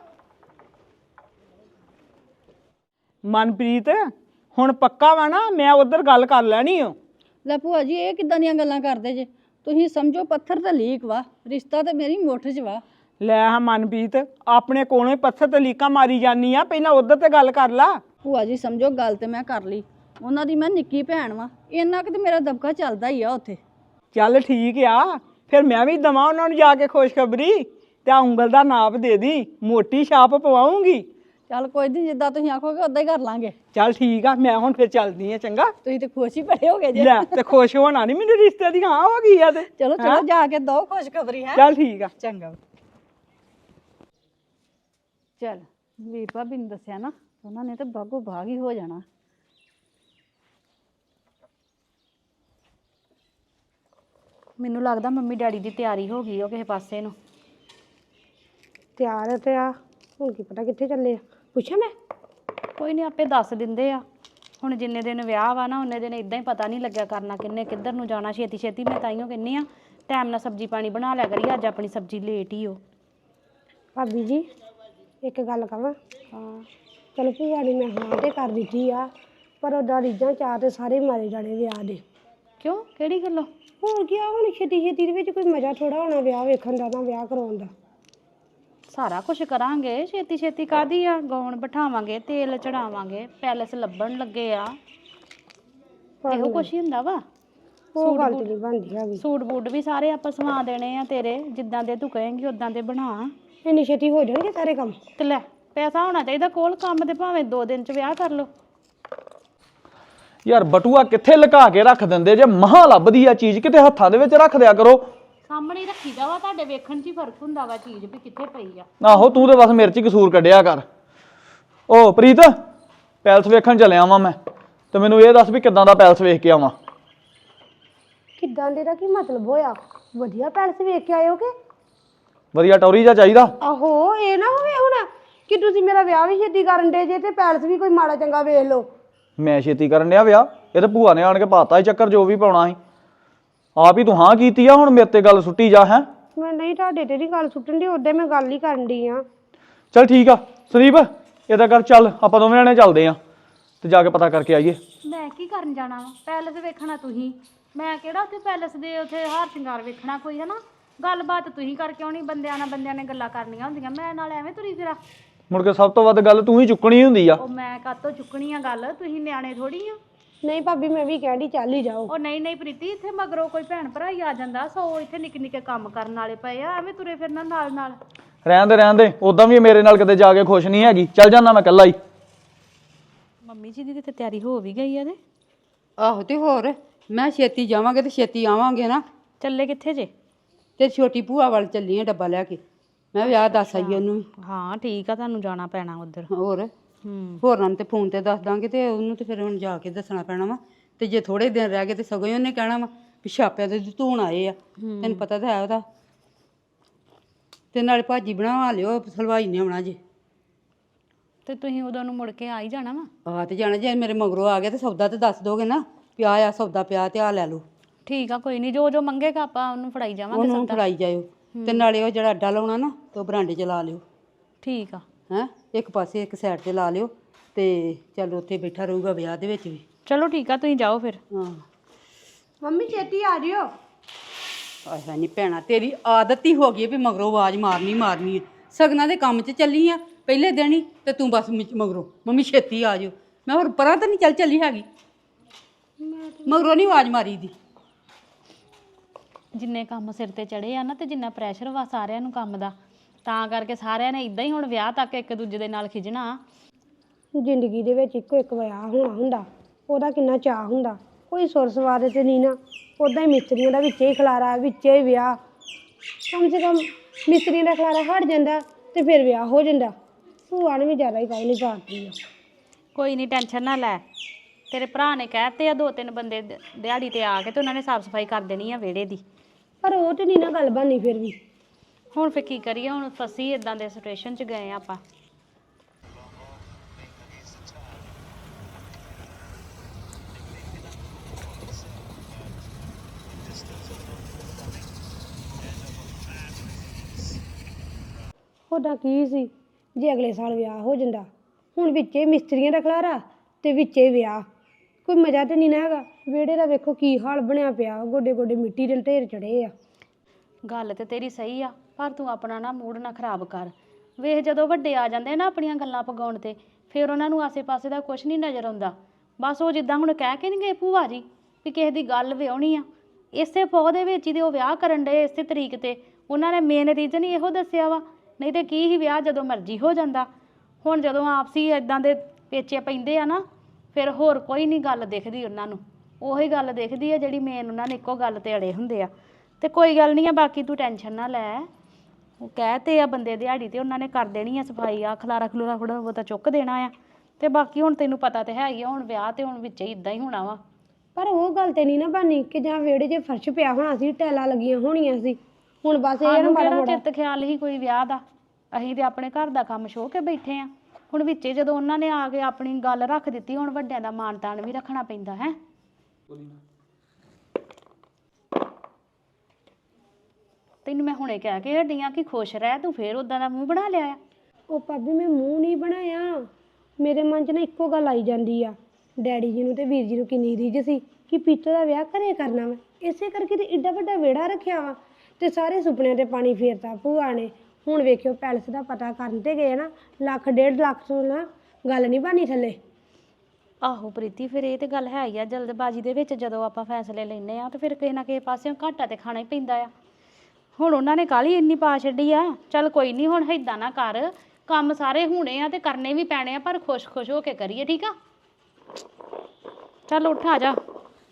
ਮਨਪ੍ਰੀਤ ਹੁਣ ਪੱਕਾ ਵਾ ਨਾ, ਮੈਂ ਉਧਰ ਗੱਲ ਕਰ ਲੈਣੀ ਓ।
ਲੈ ਭੂਆ ਜੀ, ਇਹ ਕਿੱਦਾਂ ਦੀਆਂ ਗੱਲਾਂ ਕਰਦੇ ਜੇ? ਤੁਸੀਂ ਸਮਝੋ ਪੱਥਰ ਤੇ ਲੀਕ ਵਾ, ਰਿਸ਼ਤਾ ਤੇ ਮੇਰੀ ਮੁੱਠ 'ਚ ਵਾ।
ਲੈ ਹਾਂ ਮਨਪ੍ਰੀਤ, ਆਪਣੇ ਕੋਲੋਂ ਹੀ ਪੱਥਰ ਤੇ ਲੀਕਾਂ ਮਾਰੀ ਜਾਨੀ ਆ, ਪਹਿਲਾਂ ਉਧਰ ਤੇ ਗੱਲ ਕਰ ਲਾ।
ਭੂਆ ਜੀ ਸਮਝੋ ਗੱਲ ਤੇ ਮੈਂ ਕਰ ਲਈ, ਉਹਨਾਂ ਦੀ ਮੈਂ ਨਿੱਕੀ ਭੈਣ ਵਾ, ਇੰਨਾ ਕਿ ਤੇ ਮੇਰਾ ਦਬਕਾ ਚੱਲਦਾ ਹੀ ਆ ਉੱਥੇ।
ਚੱਲ ਠੀਕ ਆ, ਫਿਰ ਮੈਂ ਵੀ ਦਵਾਂ ਉਹਨਾਂ ਨੂੰ ਜਾ ਕੇ ਖੁਸ਼ਖਬਰੀ, ਤੇ ਆ ਉਂਗਲ ਦਾ ਨਾਪ ਦੇ ਦੀ, ਮੋਟੀ ਛਾਪ ਪਵਾਉਂਗੀ।
ਚੱਲ ਕੋਈ ਨਹੀਂ, ਜਿੱਦਾਂ ਤੁਸੀਂ ਆਖੋਗੇ ਉਦਾਂ ਹੀ ਕਰ ਲਾਂਗੇ।
ਚੱਲ ਠੀਕ ਆ, ਮੈਂ ਹੁਣ ਫਿਰ ਚੱਲਦੀ ਆ, ਚੰਗਾ।
ਤੁਸੀਂ ਤੇ ਖੁਸ਼ ਹੀ ਬੜੇ ਹੋ ਗਏ ਜੇ।
ਲੈ ਤੇ ਖੁਸ਼ ਹੋਣਾ ਨਹੀਂ, ਮੈਨੂੰ ਰਿਸ਼ਤੇ ਦੀ ਹਾਂ ਹੋ ਗਈ ਆ ਤੇ।
ਚਲੋ ਚਲੋ ਜਾ ਕੇ ਦੋ ਖੁਸ਼ਖਬਰੀ ਹੈ।
ਚੱਲ ਠੀਕ ਆ।
ਚੰਗਾ। ਚੱਲ ਵੀਰ ਭਾਬੀ ਨੂੰ ਦੱਸਿਆ ਨਾ, ਉਹਨਾਂ ਨੇ ਤਾਂ ਬਾਗੋ ਬਾਗ ਹੀ ਹੋ ਜਾਣਾ। ਮੈਨੂੰ ਲੱਗਦਾ ਮੰਮੀ ਡੈਡੀ ਦੀ ਤਿਆਰੀ ਹੋ ਗਈ ਉਹ ਕਿਸੇ ਪਾਸੇ ਨੂੰ।
ਤਿਆਰ ਤੇ ਆ, ਹੁਣ ਕੀ ਪਤਾ ਕਿੱਥੇ ਚੱਲੇ ਆ, ਪੁੱਛਾਂ ਮੈਂ?
ਕੋਈ ਨਹੀਂ, ਆਪੇ ਦੱਸ ਦਿੰਦੇ ਆ। ਹੁਣ ਜਿੰਨੇ ਦਿਨ ਵਿਆਹ ਵਾ ਨਾ, ਉਹਨੇ ਦਿਨ ਇਦਾਂ ਹੀ ਪਤਾ ਨਹੀਂ ਲੱਗਿਆ ਕਰਨਾ ਕਿੰਨੇ ਕਿੱਧਰ ਨੂੰ ਜਾਣਾ। ਛੇਤੀ ਛੇਤੀ ਮੈਂ ਤਾਈਓ ਕਹਿੰਨੀ ਆ, ਟਾਈਮ ਨਾਲ ਸਬਜ਼ੀ ਪਾਣੀ ਬਣਾ ਲਿਆ ਕਰੀ, ਅੱਜ ਆਪਣੀ ਸਬਜ਼ੀ ਲੇਟ ਹੀ ਹੋ।
ਭਾਬੀ ਜੀ ਇੱਕ ਗੱਲ ਕਹਾਂ?
ਹਾਂ
ਚਲੋ ਭੂਆ ਨੇ ਮੈਂ ਹਾਂ ਤੇ ਕਰ ਦਿੱਤੀ ਆ, ਪਰ ਉਹਦਾ ਰੀਝਾਂ ਚਾਹ ਤੇ ਸਾਰੇ ਮਾਰੇ ਜਾਣੇ ਵਿਆਹ ਦੇ। ਕਿਉਂ ਕਿਹੜੀ ਗੱਲੋਂ? ਹੋਰ ਕੀ ਆ, ਹੁਣ ਛੇਤੀ ਛੇਤੀ ਦੇ ਵਿੱਚ ਕੋਈ ਮਜ਼ਾ ਥੋੜਾ ਹੋਣਾ ਵਿਆਹ ਵੇਖਣ ਦਾ, ਤਾਂ ਵਿਆਹ ਕਰਾਉਣ ਦਾ।
ਸਾਰਾ ਕੁਝ ਕਰਾਂਗੇ, ਛੇਤੀ ਛੇਤੀ ਕਾਦੀ ਆ? ਗਾਉਣ ਬਿਠਾਵਾਂਗੇ, ਤੇਲ ਚੜਾਵਾਂਗੇ, ਪੈਲਸ ਲੱਭਣ ਲੱਗੇ ਆ, ਇਹੋ ਕੁਛ ਹੀ ਹੁੰਦਾ ਵਾ।
ਉਹ ਗੱਲ ਤੇ ਨਹੀਂ ਬਣਦੀ ਹੈਗੀ।
ਸੂਟ ਬੂਟ ਵੀ ਸਾਰੇ ਆਪਾਂ ਸਵਾ ਦੇਣੇ ਆ ਤੇਰੇ, ਜਿੱਦਾਂ ਦੇ ਤੂੰ ਕਹੇਂਗੀ ਉਦਾਂ ਦੇ ਬਣਾ।
ਇੰਨੀ ਛੇਤੀ ਹੋ ਜਾਣਗੇ ਸਾਰੇ ਕੰਮ?
ਤੇ ਲੈ ਪੈਸਾ ਹੋਣਾ ਚਾਹੀਦਾ ਕੋਲ, ਕੰਮ ਤੇ ਭਾਵੇਂ 2 ਦਿਨ ਚ ਵਿਆਹ ਕਰ ਲੋ।
ਯਾਰ ਬਟੂਆ ਕਿੱਥੇ ਲੁਕਾ ਕੇ ਰੱਖ ਦਿੰਦੇ ਜੇ? ਮਹਾਂ ਲੱਭਦੀ ਆ ਚੀਜ਼, ਕਿਤੇ ਹੱਥਾਂ ਦੇ ਵਿੱਚ ਰੱਖ ਦਿਆ ਕਰੋ।
ਸਾਹਮਣੇ ਹੀ ਰੱਖੀਦਾ ਵਾ, ਤੁਹਾਡੇ ਵੇਖਣ 'ਚ ਹੀ ਫਰਕ ਹੁੰਦਾ ਵਾ ਚੀਜ਼ ਵੀ ਕਿੱਥੇ ਪਈ ਆ।
ਆਹੋ ਤੂੰ ਤੇ ਬਸ ਮੇਰੇ 'ਚ ਹੀ ਕਸੂਰ ਕੱਢਿਆ ਕਰ। ਓ ਪ੍ਰੀਤ, ਪੈਲਸ ਵੇਖਣ ਚੱਲਿਆ ਵਾਂ ਮੈਂ, ਤੇ ਮੈਨੂੰ ਇਹ ਦੱਸ ਵੀ ਕਿੱਦਾਂ ਦਾ ਪੈਲਸ ਵੇਖ ਕੇ ਆਵਾਂ?
ਕਿੱਦਾਂ ਦੇ ਦਾ ਕੀ ਮਤਲਬ ਹੋਇਆ? ਵਧੀਆ ਪੈਲਸ ਵੇਖ ਕੇ ਆਇਓ ਕਿ?
ਵਧੀਆ ਟੌਰੀ ਜਿਹਾ ਚਾਹੀਦਾ।
ਆਹੋ ਇਹ ਨਾ ਹੋਵੇ ਹੁਣ ਕਿ ਤੁਸੀਂ ਮੇਰਾ ਵਿਆਹ ਵੀ ਛੇਤੀ ਕਰਨ ਦੇ ਜੇ ਤੇ ਪੈਲਸ ਵੀ ਕੋਈ ਮਾੜਾ ਚੰਗਾ ਵੇਖ ਲਓ।
ਮੈਂ ਛੇਤੀ ਕਰਨ ਡਿਆ ਵਿਆਹ? ਇਹ ਤੇ ਭੂਆ ਨੇ ਆਣ ਕੇ ਪਾਤਾ ਸੀ ਚੱਕਰ, ਜੋ ਵੀ ਪਾਉਣਾ ਸੀ ਆਪ ਹੀ ਤੂੰ ਹਾਂ ਕੀਤੀ ਆ, ਹੁਣ ਮੇਰੇ ਤੇ ਗੱਲ ਸੁੱਟੀ ਜਾ। ਹੈ
ਮੈਂ ਨਹੀਂ ਤੁਹਾਡੇ ਤੇ ਨਹੀਂ ਗੱਲ ਸੁੱਟਣ ਦੀ, ਉਹਦੇ ਮੈਂ ਗੱਲ ਹੀ ਕਰਨ ਦੀ ਆ।
ਚੱਲ ਠੀਕ ਆ ਸੰਦੀਪ, ਇਹਦਾ ਕਰ, ਚੱਲ ਆਪਾਂ ਦੋਵੇਂ ਜਣੇ ਚੱਲਦੇ ਆ ਤੇ ਜਾ ਕੇ ਪਤਾ ਕਰਕੇ ਆਈਏ।
ਮੈਂ ਕੀ ਕਰਨ ਜਾਣਾ ਵਾ? ਪੈਲਸ ਵੇਖਣਾ ਤੁਸੀਂ, ਮੈਂ ਕਿਹੜਾ ਉੱਥੇ ਪੈਲਸ ਦੇ ਉੱਥੇ ਹਾਰ ਸ਼ਿੰਗਾਰ ਵੇਖਣਾ ਕੋਈ, ਹੈ ਨਾ? ਗੱਲਬਾਤ ਤੁਸੀਂ ਕਰਕੇ ਆਉਣੀ, ਬੰਦਿਆਂ ਨੇ ਗੱਲਾਂ ਕਰਨੀਆਂ ਹੁੰਦੀਆਂ, ਮੈਂ ਨਾਲ ਐਵੇਂ ਤੁਰੀ ਫਿਰਾਂ।
ਮੁੜ ਕੇ ਸਭ ਤੋਂ ਵੱਧ ਗੱਲ ਤੂੰ ਹੀ ਚੁੱਕਣੀ ਹੁੰਦੀ ਆ।
ਉਹ ਮੈਂ ਕਾਤੋਂ ਚੁੱਕਣੀ ਆ ਗੱਲ? ਤੁਸੀਂ ਨਿਆਣੇ ਥੋੜੀ ਆ।
ਨਹੀਂ ਭਾਬੀ ਮੈਂ ਵੀ ਕਹਿੰਦੀ ਚੱਲ ਹੀ ਜਾਓ।
ਉਹ ਨਹੀਂ ਪ੍ਰੀਤੀ, ਇੱਥੇ ਮਗਰੋਂ ਕੋਈ ਭੈਣ ਭਰਾ ਹੀ ਆ ਜਾਂਦਾ, ਸੋ ਇੱਥੇ ਨਿੱਕੇ ਨਿੱਕੇ ਕੰਮ ਕਰਨ ਵਾਲੇ ਪਏ ਆ, ਐਵੇਂ ਤੁਰੇ ਫਿਰਨਾ ਨਾਲ।
ਰਹਿਣ ਦੇ ਉਦਾਂ ਵੀ ਮੇਰੇ ਨਾਲ ਕਿਤੇ ਜਾ ਕੇ ਖੁਸ਼ ਨਹੀਂ ਹੈਗੀ, ਚੱਲ ਜਾਂਦਾ ਮੈਂ ਇਕੱਲਾ ਹੀ।
ਮੰਮੀ ਜੀ ਦੀ ਤੇ ਤਿਆਰੀ ਹੋ ਵੀ ਗਈ ਆ ਤੇ।
ਆਹੋ ਤੇ ਹੋਰ, ਮੈਂ ਛੇਤੀ ਜਾਵਾਂਗੇ ਤੇ ਛੇਤੀ ਆਵਾਂਗੇ ਨਾ।
ਚੱਲੇ ਕਿੱਥੇ ਜੇ?
ਤੇ ਛੋਟੀ ਭੂਆ ਵੱਲ ਚੱਲੀ ਆ ਡੱਬਾ ਲੈ ਕੇ, ਮੈਂ ਵਿਆਹ ਦੱਸ ਆਈ ਉਹਨੂੰ ਵੀ।
ਹਾਂ ਠੀਕ ਆ, ਤੁਹਾਨੂੰ ਜਾਣਾ ਪੈਣਾ ਉੱਧਰ।
ਹੋਰ ਹੋਰਾਂ ਨੂੰ ਤੇ ਫੋਨ ਤੇ ਦੱਸ ਦਾਂਗੇ, ਤੇ ਉਹਨੂੰ ਤੇ ਫਿਰ ਹੁਣ ਜਾ ਕੇ ਦੱਸਣਾ ਪੈਣਾ ਵਾ। ਤੇ ਜੇ ਥੋੜੇ ਦਿਨ ਰਹਿ ਗਏ ਤੇ ਸਗੋਂ ਹੀ ਉਹਨੇ ਕਹਿਣਾ ਵਾ ਵੀ ਛਾਪਿਆਂ ਦੇ ਧੂਣ ਆਏ ਆ, ਤੈਨੂੰ ਪਤਾ ਤਾਂ ਹੈ ਉਹਦਾ। ਤੇ ਨਾਲੇ ਭਾਜੀ ਬਣਾ ਲਿਓ, ਹਲਵਾਈ ਨੇ ਆਉਣਾ ਜੇ।
ਤੇ ਤੁਸੀਂ ਉਦੋਂ ਨੂੰ ਮੁੜ ਕੇ ਆ ਹੀ ਜਾਣਾ ਵਾ।
ਆ ਤੇ ਜਾਣਾ, ਜੇ ਮੇਰੇ ਮਗਰੋਂ ਆ ਗਿਆ ਤੇ ਸੌਦਾ ਤੇ ਦੱਸ ਦੋਗੇ ਨਾ, ਪਿਆ ਆ ਸੌਦਾ ਪਿਆ ਤੇ ਆ ਲੈ ਲਓ।
ਠੀਕ ਆ, ਕੋਈ ਨਹੀਂ, ਜੋ ਮੰਗੇਗਾ ਆਪਾਂ ਉਹਨੂੰ ਫੜਾਈ ਜਾਵਾਂਗੇ।
ਉਹਨੂੰ ਫੜਾਈ ਜਾਇਓ, ਤੇ ਨਾਲੇ ਉਹ ਜਿਹੜਾ ਅੱਡਾ ਲਾਉਣਾ ਨਾ ਤੇ ਉਹ ਬਰਾਂਡੇ 'ਚ ਲਾ ਲਿਓ।
ਠੀਕ ਆ।
ਹੈਂ, ਇੱਕ ਪਾਸੇ ਇੱਕ ਸਾਈਡ ਤੇ ਲਾ ਲਿਓ, ਤੇ ਚੱਲ ਉੱਥੇ ਬੈਠਾ ਰਹੂਗਾ ਵਿਆਹ ਦੇ ਵਿੱਚ ਵੀ।
ਚਲੋ ਠੀਕ ਆ, ਤੁਸੀਂ ਜਾਓ ਫਿਰ।
ਹਾਂ
ਮੰਮੀ ਛੇਤੀ ਆ ਜਿਓ।
ਆਹ ਨਹੀਂ ਭੈਣਾ, ਤੇਰੀ ਆਦਤ ਹੀ ਹੋ ਗਈ ਵੀ ਮਗਰੋਂ ਆਵਾਜ਼ ਮਾਰਨੀ ਹੈ। ਸਗਨਾਂ ਦੇ ਕੰਮ 'ਚ ਚੱਲੀ ਆ ਪਹਿਲੇ ਦਿਨ ਹੀ, ਤੇ ਤੂੰ ਬਸ ਮਗਰੋਂ ਮੰਮੀ ਛੇਤੀ ਆ ਜਾਓ। ਮੈਂ ਹੋਰ ਪਰਾਂ ਤਾਂ ਨਹੀਂ ਚੱਲੀ ਹੈਗੀ, ਮਗਰੋਂ ਨਹੀਂ ਆਵਾਜ਼ ਮਾਰੀ ਦੀ।
ਜਿੰਨੇ ਕੰਮ ਸਿਰ ਤੇ ਚੜੇ ਆ ਨਾ, ਤੇ ਜਿੰਨਾ ਪ੍ਰੈਸ਼ਰ ਵਾ ਸਾਰਿਆਂ ਨੂੰ ਕੰਮ ਦਾ, ਤਾਂ ਕਰਕੇ ਸਾਰਿਆਂ ਨੇ ਇਦਾਂ ਹੀ ਹੁਣ ਵਿਆਹ ਤੱਕ ਇੱਕ ਦੂਜੇ ਦੇ ਨਾਲ ਖਿਜਣਾ।
ਜ਼ਿੰਦਗੀ ਦੇ ਵਿੱਚ ਇੱਕੋ ਇੱਕ ਵਿਆਹ ਹੋਣਾ ਹੁੰਦਾ, ਉਹਦਾ ਕਿੰਨਾ ਚਾਅ ਹੁੰਦਾ। ਕੋਈ ਸੁਰ ਸਵਾਰ ਤੇ ਨਹੀਂ ਨਾ, ਉੱਦਾਂ ਹੀ ਮਿਸਤਰੀਆਂ ਦਾ ਵਿੱਚੇ ਹੀ ਖਲਾਰਾ, ਵਿੱਚੇ ਹੀ ਵਿਆਹ। ਕਮ ਸੇ ਕਮ ਮਿਸਤਰੀਆਂ ਦਾ ਖਲਾਰਾ ਹਟ ਜਾਂਦਾ ਤੇ ਫਿਰ ਵਿਆਹ ਹੋ ਜਾਂਦਾ। ਭੂਆ ਨੇ ਵੀ ਜ਼ਿਆਦਾ ਹੀ ਕਾਹਲੀ ਪਾਤੀ ਆ।
ਕੋਈ ਨਹੀਂ, ਟੈਨਸ਼ਨ ਨਾ ਲੈ, ਤੇਰੇ ਭਰਾ ਨੇ ਕਹਿਤੇ ਆ 2-3 ਬੰਦੇ ਦਿਹਾੜੀ ਤੇ ਆ ਕੇ, ਤੇ ਉਹਨਾਂ ਨੇ ਸਾਫ਼ ਸਫਾਈ ਕਰ ਦੇਣੀ ਆ ਵਿਹੜੇ ਦੀ।
ਪਰ ਉਹ ਤੇ ਨਹੀਂ ਨਾ ਗੱਲ ਬਣਨੀ ਫਿਰ ਵੀ।
ਹੁਣ ਫਿਰ ਕੀ ਕਰੀਏ, ਹੁਣ ਫਸੀ ਇਦਾਂ ਦੇ ਸਿਚੁਏਸ਼ਨ 'ਚ ਗਏ ਆਪਾਂ।
ਉਹਦਾ ਕੀ ਸੀ ਜੇ ਅਗਲੇ ਸਾਲ ਵਿਆਹ ਹੋ ਜਾਂਦਾ। ਹੁਣ ਵਿੱਚੇ ਮਿਸਤਰੀਆਂ ਦਾ ਖਲਾਰਾ ਤੇ ਵਿੱਚੇ ਵਿਆਹ, ਕੋਈ ਮਜ਼ਾ ਤੇ ਨਹੀਂ ਨਾ ਹੈਗਾ। ਵਿਹੜੇ ਦਾ ਵੇਖੋ ਕੀ ਹਾਲ ਬਣਿਆ ਪਿਆ, ਗੋਡੇ ਗੋਡੇ ਮਿੱਟੀ ਦੇ ਢੇਰ ਚੜੇ ਆ।
ਗੱਲ ਤੇ ਤੇਰੀ ਸਹੀ ਆ, ਪਰ ਤੂੰ ਆਪਣਾ ਨਾ ਮੂਡ ਨਾ ਖਰਾਬ ਕਰ। ਵੇਖ ਜਦੋਂ ਵੱਡੇ ਆ ਜਾਂਦੇ ਨਾ ਆਪਣੀਆਂ ਗੱਲਾਂ ਪਗਾਉਣ ਤੇ, ਫਿਰ ਉਹਨਾਂ ਨੂੰ ਆਸੇ-ਪਾਸੇ ਦਾ ਕੁਝ ਨਹੀਂ ਨਜ਼ਰ ਆਉਂਦਾ। ਬਸ ਉਹ ਜਿੱਦਾਂ ਹੁਣ ਕਹਿ ਕੇ ਨਹੀਂ ਗਏ ਭੂਆ ਜੀ ਵੀ ਕਿਸੇ ਦੀ ਗੱਲ ਵਿਆਹੁਣੀ ਆ, ਇਸੇ ਪੌ ਦੇ ਵਿੱਚ ਹੀ ਤੇ ਉਹ ਵਿਆਹ ਕਰਨ ਡਏ ਇਸੇ ਤਰੀਕ ਤੇ। ਉਹਨਾਂ ਨੇ ਮੇਨ ਰੀਜ਼ਨ ਹੀ ਇਹੋ ਦੱਸਿਆ ਵਾ, ਨਹੀਂ ਤੇ ਕੀ ਹੀ ਵਿਆਹ ਜਦੋਂ ਮਰਜ਼ੀ ਹੋ ਜਾਂਦਾ। ਹੁਣ ਜਦੋਂ ਆਪਸੀ ਇਦਾਂ ਦੇ ਪੇਚੇ ਪੈਂਦੇ ਆ ਨਾ, ਫਿਰ ਹੋਰ ਕੋਈ ਨਹੀਂ ਗੱਲ ਦਿਖਦੀ ਉਹਨਾਂ ਨੂੰ, ਉਹੀ ਗੱਲ ਦਿਖਦੀ ਆ ਜਿਹੜੀ ਮੇਨ ਉਹਨਾਂ ਨੇ ਇੱਕੋ ਗੱਲ ਤੇ ਅੜੇ ਹੁੰਦੇ ਆ। ਤੇ ਕੋਈ ਗੱਲ ਨਹੀਂ ਆ, ਬਾਕੀ ਤੂੰ ਟੈਨਸ਼ਨ ਨਾ ਲੈ। ਉਹ ਕਹਿਤੇ ਆ ਬੰਦੇ ਦਿਹਾੜੀ ਤੇ ਉਹਨਾਂ ਨੇ ਕਰ ਦੇਣੀ ਆ ਸਫਾਈ, ਆ ਖਲਾਰਾ ਖਲੂਰਾ ਥੋੜਾ ਬਹੁਤਾ ਚੁੱਕ ਦੇਣਾ ਆ। ਤੇ ਬਾਕੀ ਹੁਣ ਤੈਨੂੰ ਪਤਾ ਤੇ ਹੈ ਹੀ ਆ, ਹੁਣ ਵਿਆਹ ਤੇ ਹੁਣ ਵਿੱਚ ਹੀ ਇਦਾਂ ਹੀ ਹੋਣਾ ਵਾ।
ਪਰ ਉਹ ਗੱਲ ਤੇ ਨਹੀਂ ਨਾ ਬਣਨੀ ਕਿ ਜਾਂ ਵਿਹੜੇ 'ਚ ਫਰਸ਼ ਪਿਆ ਹੋਣਾ ਸੀ, ਟੈਲਾਂ ਲੱਗੀਆਂ ਹੋਣੀਆਂ ਸੀ। ਹੁਣ ਬਸ ਇਹ ਨਾ ਮਾੜਾ ਮੋੜਾ
ਚਿੱਤ ਖਿਆਲ ਹੀ ਕੋਈ ਵਿਆਹ ਦਾ, ਅਸੀਂ ਤੇ ਆਪਣੇ ਘਰ ਦਾ ਕੰਮ ਛੋਹ ਕੇ ਬੈਠੇ ਆ। ਹੁਣ ਵਿੱਚੇ ਜਦੋਂ ਉਹਨਾਂ ਨੇ ਆ ਕੇ ਆਪਣੀ ਗੱਲ ਰੱਖ ਦਿੱਤੀ, ਹੁਣ ਵੱਡਿਆਂ ਦਾ ਮਾਣ ਤਾਣ ਵੀ ਰੱਖਣਾ ਪੈਂਦਾ ਹੈ। ਤੈਨੂੰ ਮੈਂ ਹੁਣੇ ਕਹਿ ਕੇ ਹੱਡੀਆਂ ਕਿ ਖੁਸ਼ ਰਹਿ, ਤੂੰ ਫੇਰ ਉਦਾਂ ਦਾ ਮੂੰਹ ਬਣਾ ਲਿਆ ਆ।
ਉਹ ਭਾਬੀ ਮੈਂ ਮੂੰਹ ਨਹੀਂ ਬਣਾਇਆ, ਮੇਰੇ ਮਨ 'ਚ ਨਾ ਇੱਕੋ ਗੱਲ ਆਈ ਜਾਂਦੀ ਆ ਡੈਡੀ ਜੀ ਨੂੰ ਤੇ ਵੀਰ ਜੀ ਨੂੰ ਕਿੰਨੀ ਰੀਝ ਸੀ ਕਿ ਪੀਤੋ ਦਾ ਵਿਆਹ ਘਰੇ ਕਰਨਾ ਵਾ। ਇਸੇ ਕਰਕੇ ਤੇ ਏਡਾ ਵੱਡਾ ਵਿਹੜਾ ਰੱਖਿਆ ਵਾ ਤੇ ਸਾਰੇ ਸੁਪਨਿਆਂ ਤੇ ਪਾਣੀ ਫੇਰਤਾ ਭੂਆ ਨੇ। ਹੁਣ ਵੇਖਿਓ ਪੈਲਸ ਦਾ ਪਤਾ ਕਰਨ ਤੇ ਗਏ ਨਾ, 1 1.5 ਲੱਖ ਤੋਂ ਨਾ ਗੱਲ ਨਹੀਂ ਬਣੀ ਥੱਲੇ।
ਆਹੋ ਪ੍ਰੀਤੀ, ਫਿਰ ਇਹ ਤੇ ਗੱਲ ਹੈ ਹੀ ਆ। ਜਲਦਬਾਜ਼ੀ ਦੇ ਵਿੱਚ ਜਦੋਂ ਆਪਾਂ ਫੈਸਲੇ ਲੈਂਦੇ ਆ ਤੇ ਫਿਰ ਕਿਸੇ ਨਾ ਕਿਸੇ ਪਾਸਿਓਂ ਘਾਟਾ ਤੇ ਖਾਣਾ ਹੀ ਪੈਂਦਾ ਆ। ਹੁਣ ਉਹਨਾਂ ਨੇ ਕਾਹਲੀ ਇੰਨੀ ਪਾ ਛੱਡੀ ਆ। ਚੱਲ ਕੋਈ ਨਹੀਂ, ਹੁਣ ਏਦਾਂ ਨਾ ਕਰ, ਕੰਮ ਸਾਰੇ ਹੋਣੇ ਆ ਤੇ ਕਰਨੇ ਵੀ ਪੈਣੇ ਆ, ਪਰ ਖੁਸ਼-ਖੁਸ਼ ਹੋ ਕੇ ਕਰੀਏ, ਠੀਕ ਆ? ਚੱਲ ਉੱਠ ਆ ਜਾ।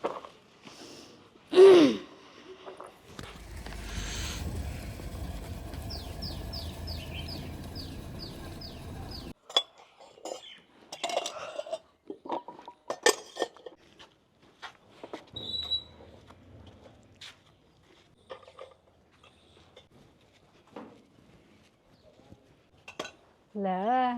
ਲੈ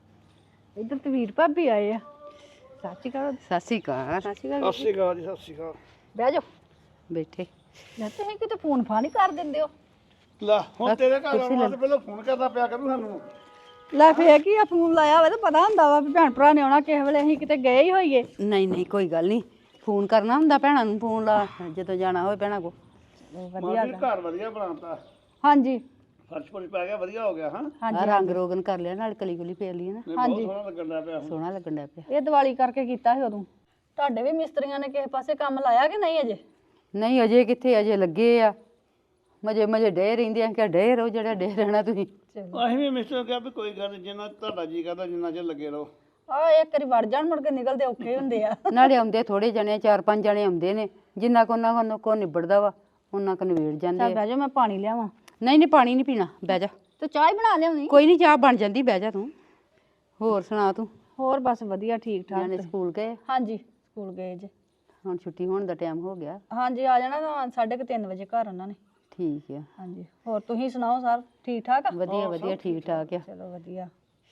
ਇੱਧਰ ਤੇ ਵੀਰ ਭਾਬੀ ਆਏ ਆ। ਸਤਿ ਸ਼੍ਰੀ ਅਕਾਲ।
ਸਤਿ ਸ਼੍ਰੀ ਅਕਾਲ ਜੀ, ਸਤਿ ਸ਼੍ਰੀ ਅਕਾਲ।
ਬਹਿ ਜਾਓ। ਬੈਠੇ। ਲੈ ਤੁਸੀਂ ਕਿਤੇ ਫੋਨ ਫਾਨ ਹੀ ਕਰ ਦਿੰਦੇ ਹੋ।
ਲੈ ਹੁਣ ਤੇਰੇ ਘਰ ਆਉਣਾ ਤੇ ਪਹਿਲਾਂ ਫੋਨ ਕਰਦਾ ਪਿਆ ਕਰੂ ਸਾਨੂੰ।
ਲੈ ਫੇਰ ਕੀ ਆ, ਫੋਨ ਲਾਇਆ ਵਾ ਤਾਂ ਪਤਾ ਹੁੰਦਾ ਵਾ ਵੀ ਭੈਣ ਭਰਾ ਨੇ ਆਉਣਾ ਕਿਸੇ ਵੇਲੇ, ਅਸੀਂ ਕਿਤੇ ਗਏ ਹੀ ਹੋਈਏ। ਨਹੀਂ ਕੋਈ ਗੱਲ ਨਹੀਂ, ਫੋਨ ਕਰਨਾ ਹੁੰਦਾ ਭੈਣਾਂ ਨੂੰ, ਫੋਨ ਲਾ ਜਦੋਂ ਜਾਣਾ ਹੋਵੇ ਭੈਣਾਂ ਕੋ।
ਵਧੀਆ ਘਰ ਵਧੀਆ ਬਣਾਤਾ।
ਹਾਂਜੀ
ਫਰਸ਼ ਫੁਰਸ਼ ਪੈ ਗਿਆ, ਵਧੀਆ ਹੋ ਗਿਆ। ਹਾਂ
ਹਾਂਜੀ, ਰੰਗ ਰੋਗਨ ਕਰ ਲਿਆ, ਨਾਲ ਕਲੀ ਕੁਲੀ ਫੇਰ ਲਈ ਨਾ।
ਹਾਂਜੀ ਸੋਹਣਾ ਲੱਗਣ ਦਾ ਪਿਆ।
ਸੋਹਣਾ ਲੱਗਣ ਦਾ ਪਿਆ। ਇਹ ਦੀਵਾਲੀ ਕਰਕੇ ਕੀਤਾ ਸੀ ਉਦੋਂ। ਤੁਹਾਡੇ ਵੀ ਮਿਸਤਰੀਆਂ ਨੇ ਕਿਸੇ ਪਾਸੇ ਕੰਮ ਲਾਇਆ ਕਿ ਨਹੀਂ ਅਜੇ? ਨਹੀਂ ਅਜੇ ਕਿੱਥੇ, ਅਜੇ ਲੱਗੇ ਆ। ਮਜੇ ਡੇ ਰਹਿੰਦੇ ਆ ਕਿ ਡੇ ਰਹੋ, ਜਿਹੜਾ ਡੇ ਰਹਿਣਾ ਤੁਸੀਂ।
ਅਸੀਂ ਵੀ ਮਿਸਟਰ ਕਿਹਾ ਵੀ ਕੋਈ ਗੱਲ ਨੀ, ਜਿੰਨਾ ਤੁਹਾਡਾ ਜੀ ਕਰਦਾ ਜਿੰਨਾ ਚਿਰ ਲੱਗੇ ਰਹੋ।
ਆ ਇੱਕ ਵਾਰੀ ਵੜ ਜਾਣ, ਮੁੜ ਕੇ ਨਿਕਲਦੇ ਔਖੇ ਹੁੰਦੇ ਆ। ਨਾਲੇ ਆਉਂਦੇ ਥੋੜੇ ਜਣੇ, 4-5 ਜਣੇ ਆਉਂਦੇ ਨੇ, ਜਿੰਨਾ ਕੋ ਉਹਨਾਂ ਕੋ ਨਿਬੜਦਾ ਵਾ ਉਹਨਾਂ ਕੋ ਨਿਬੜ ਜਾਂਦੇ ਆ। ਬਹਿ ਜਾ, ਮੈਂ ਪਾਣੀ ਲਿਆਵਾਂ। ਨਹੀਂ ਪਾਣੀ ਨਹੀਂ ਪੀਣਾ, ਬਹਿ ਜਾ। ਤੇ ਚਾਹ ਹੀ ਬਣਾ ਲਿਆਉਣੀ। ਕੋਈ ਨਹੀਂ, ਚਾਹ ਬਣ ਜਾਂਦੀ, ਬਹਿ ਜਾ ਤੂੰ। ਹੋਰ ਸੁਣਾ ਤੂੰ? ਹੋਰ ਬਸ ਵਧੀਆ, ਠੀਕ ਠਾਕ। ਜਾਨੇ ਸਕੂਲ ਗਏ? ਹਾਂਜੀ ਸਕੂਲ ਗਏ ਜੇ। ਹੁਣ ਛੁੱਟੀ ਹੋਣ ਦਾ ਟਾਈਮ ਹੋ ਗਿਆ। ਹਾਂਜੀ ਆ ਜਾਣਾ 3:30 ਵਜੇ ਘਰ ਉਹਨਾਂ ਨੇ। ਠੀਕ ਆ। ਹਾਂਜੀ ਹੋਰ ਤੁਸੀਂ ਸੁਣਾਓ, ਸਰ ਠੀਕ ਠਾਕ ਆ? ਵਧੀਆ ਠੀਕ ਠਾਕ ਆ। ਚਲੋ ਵਧੀਆ।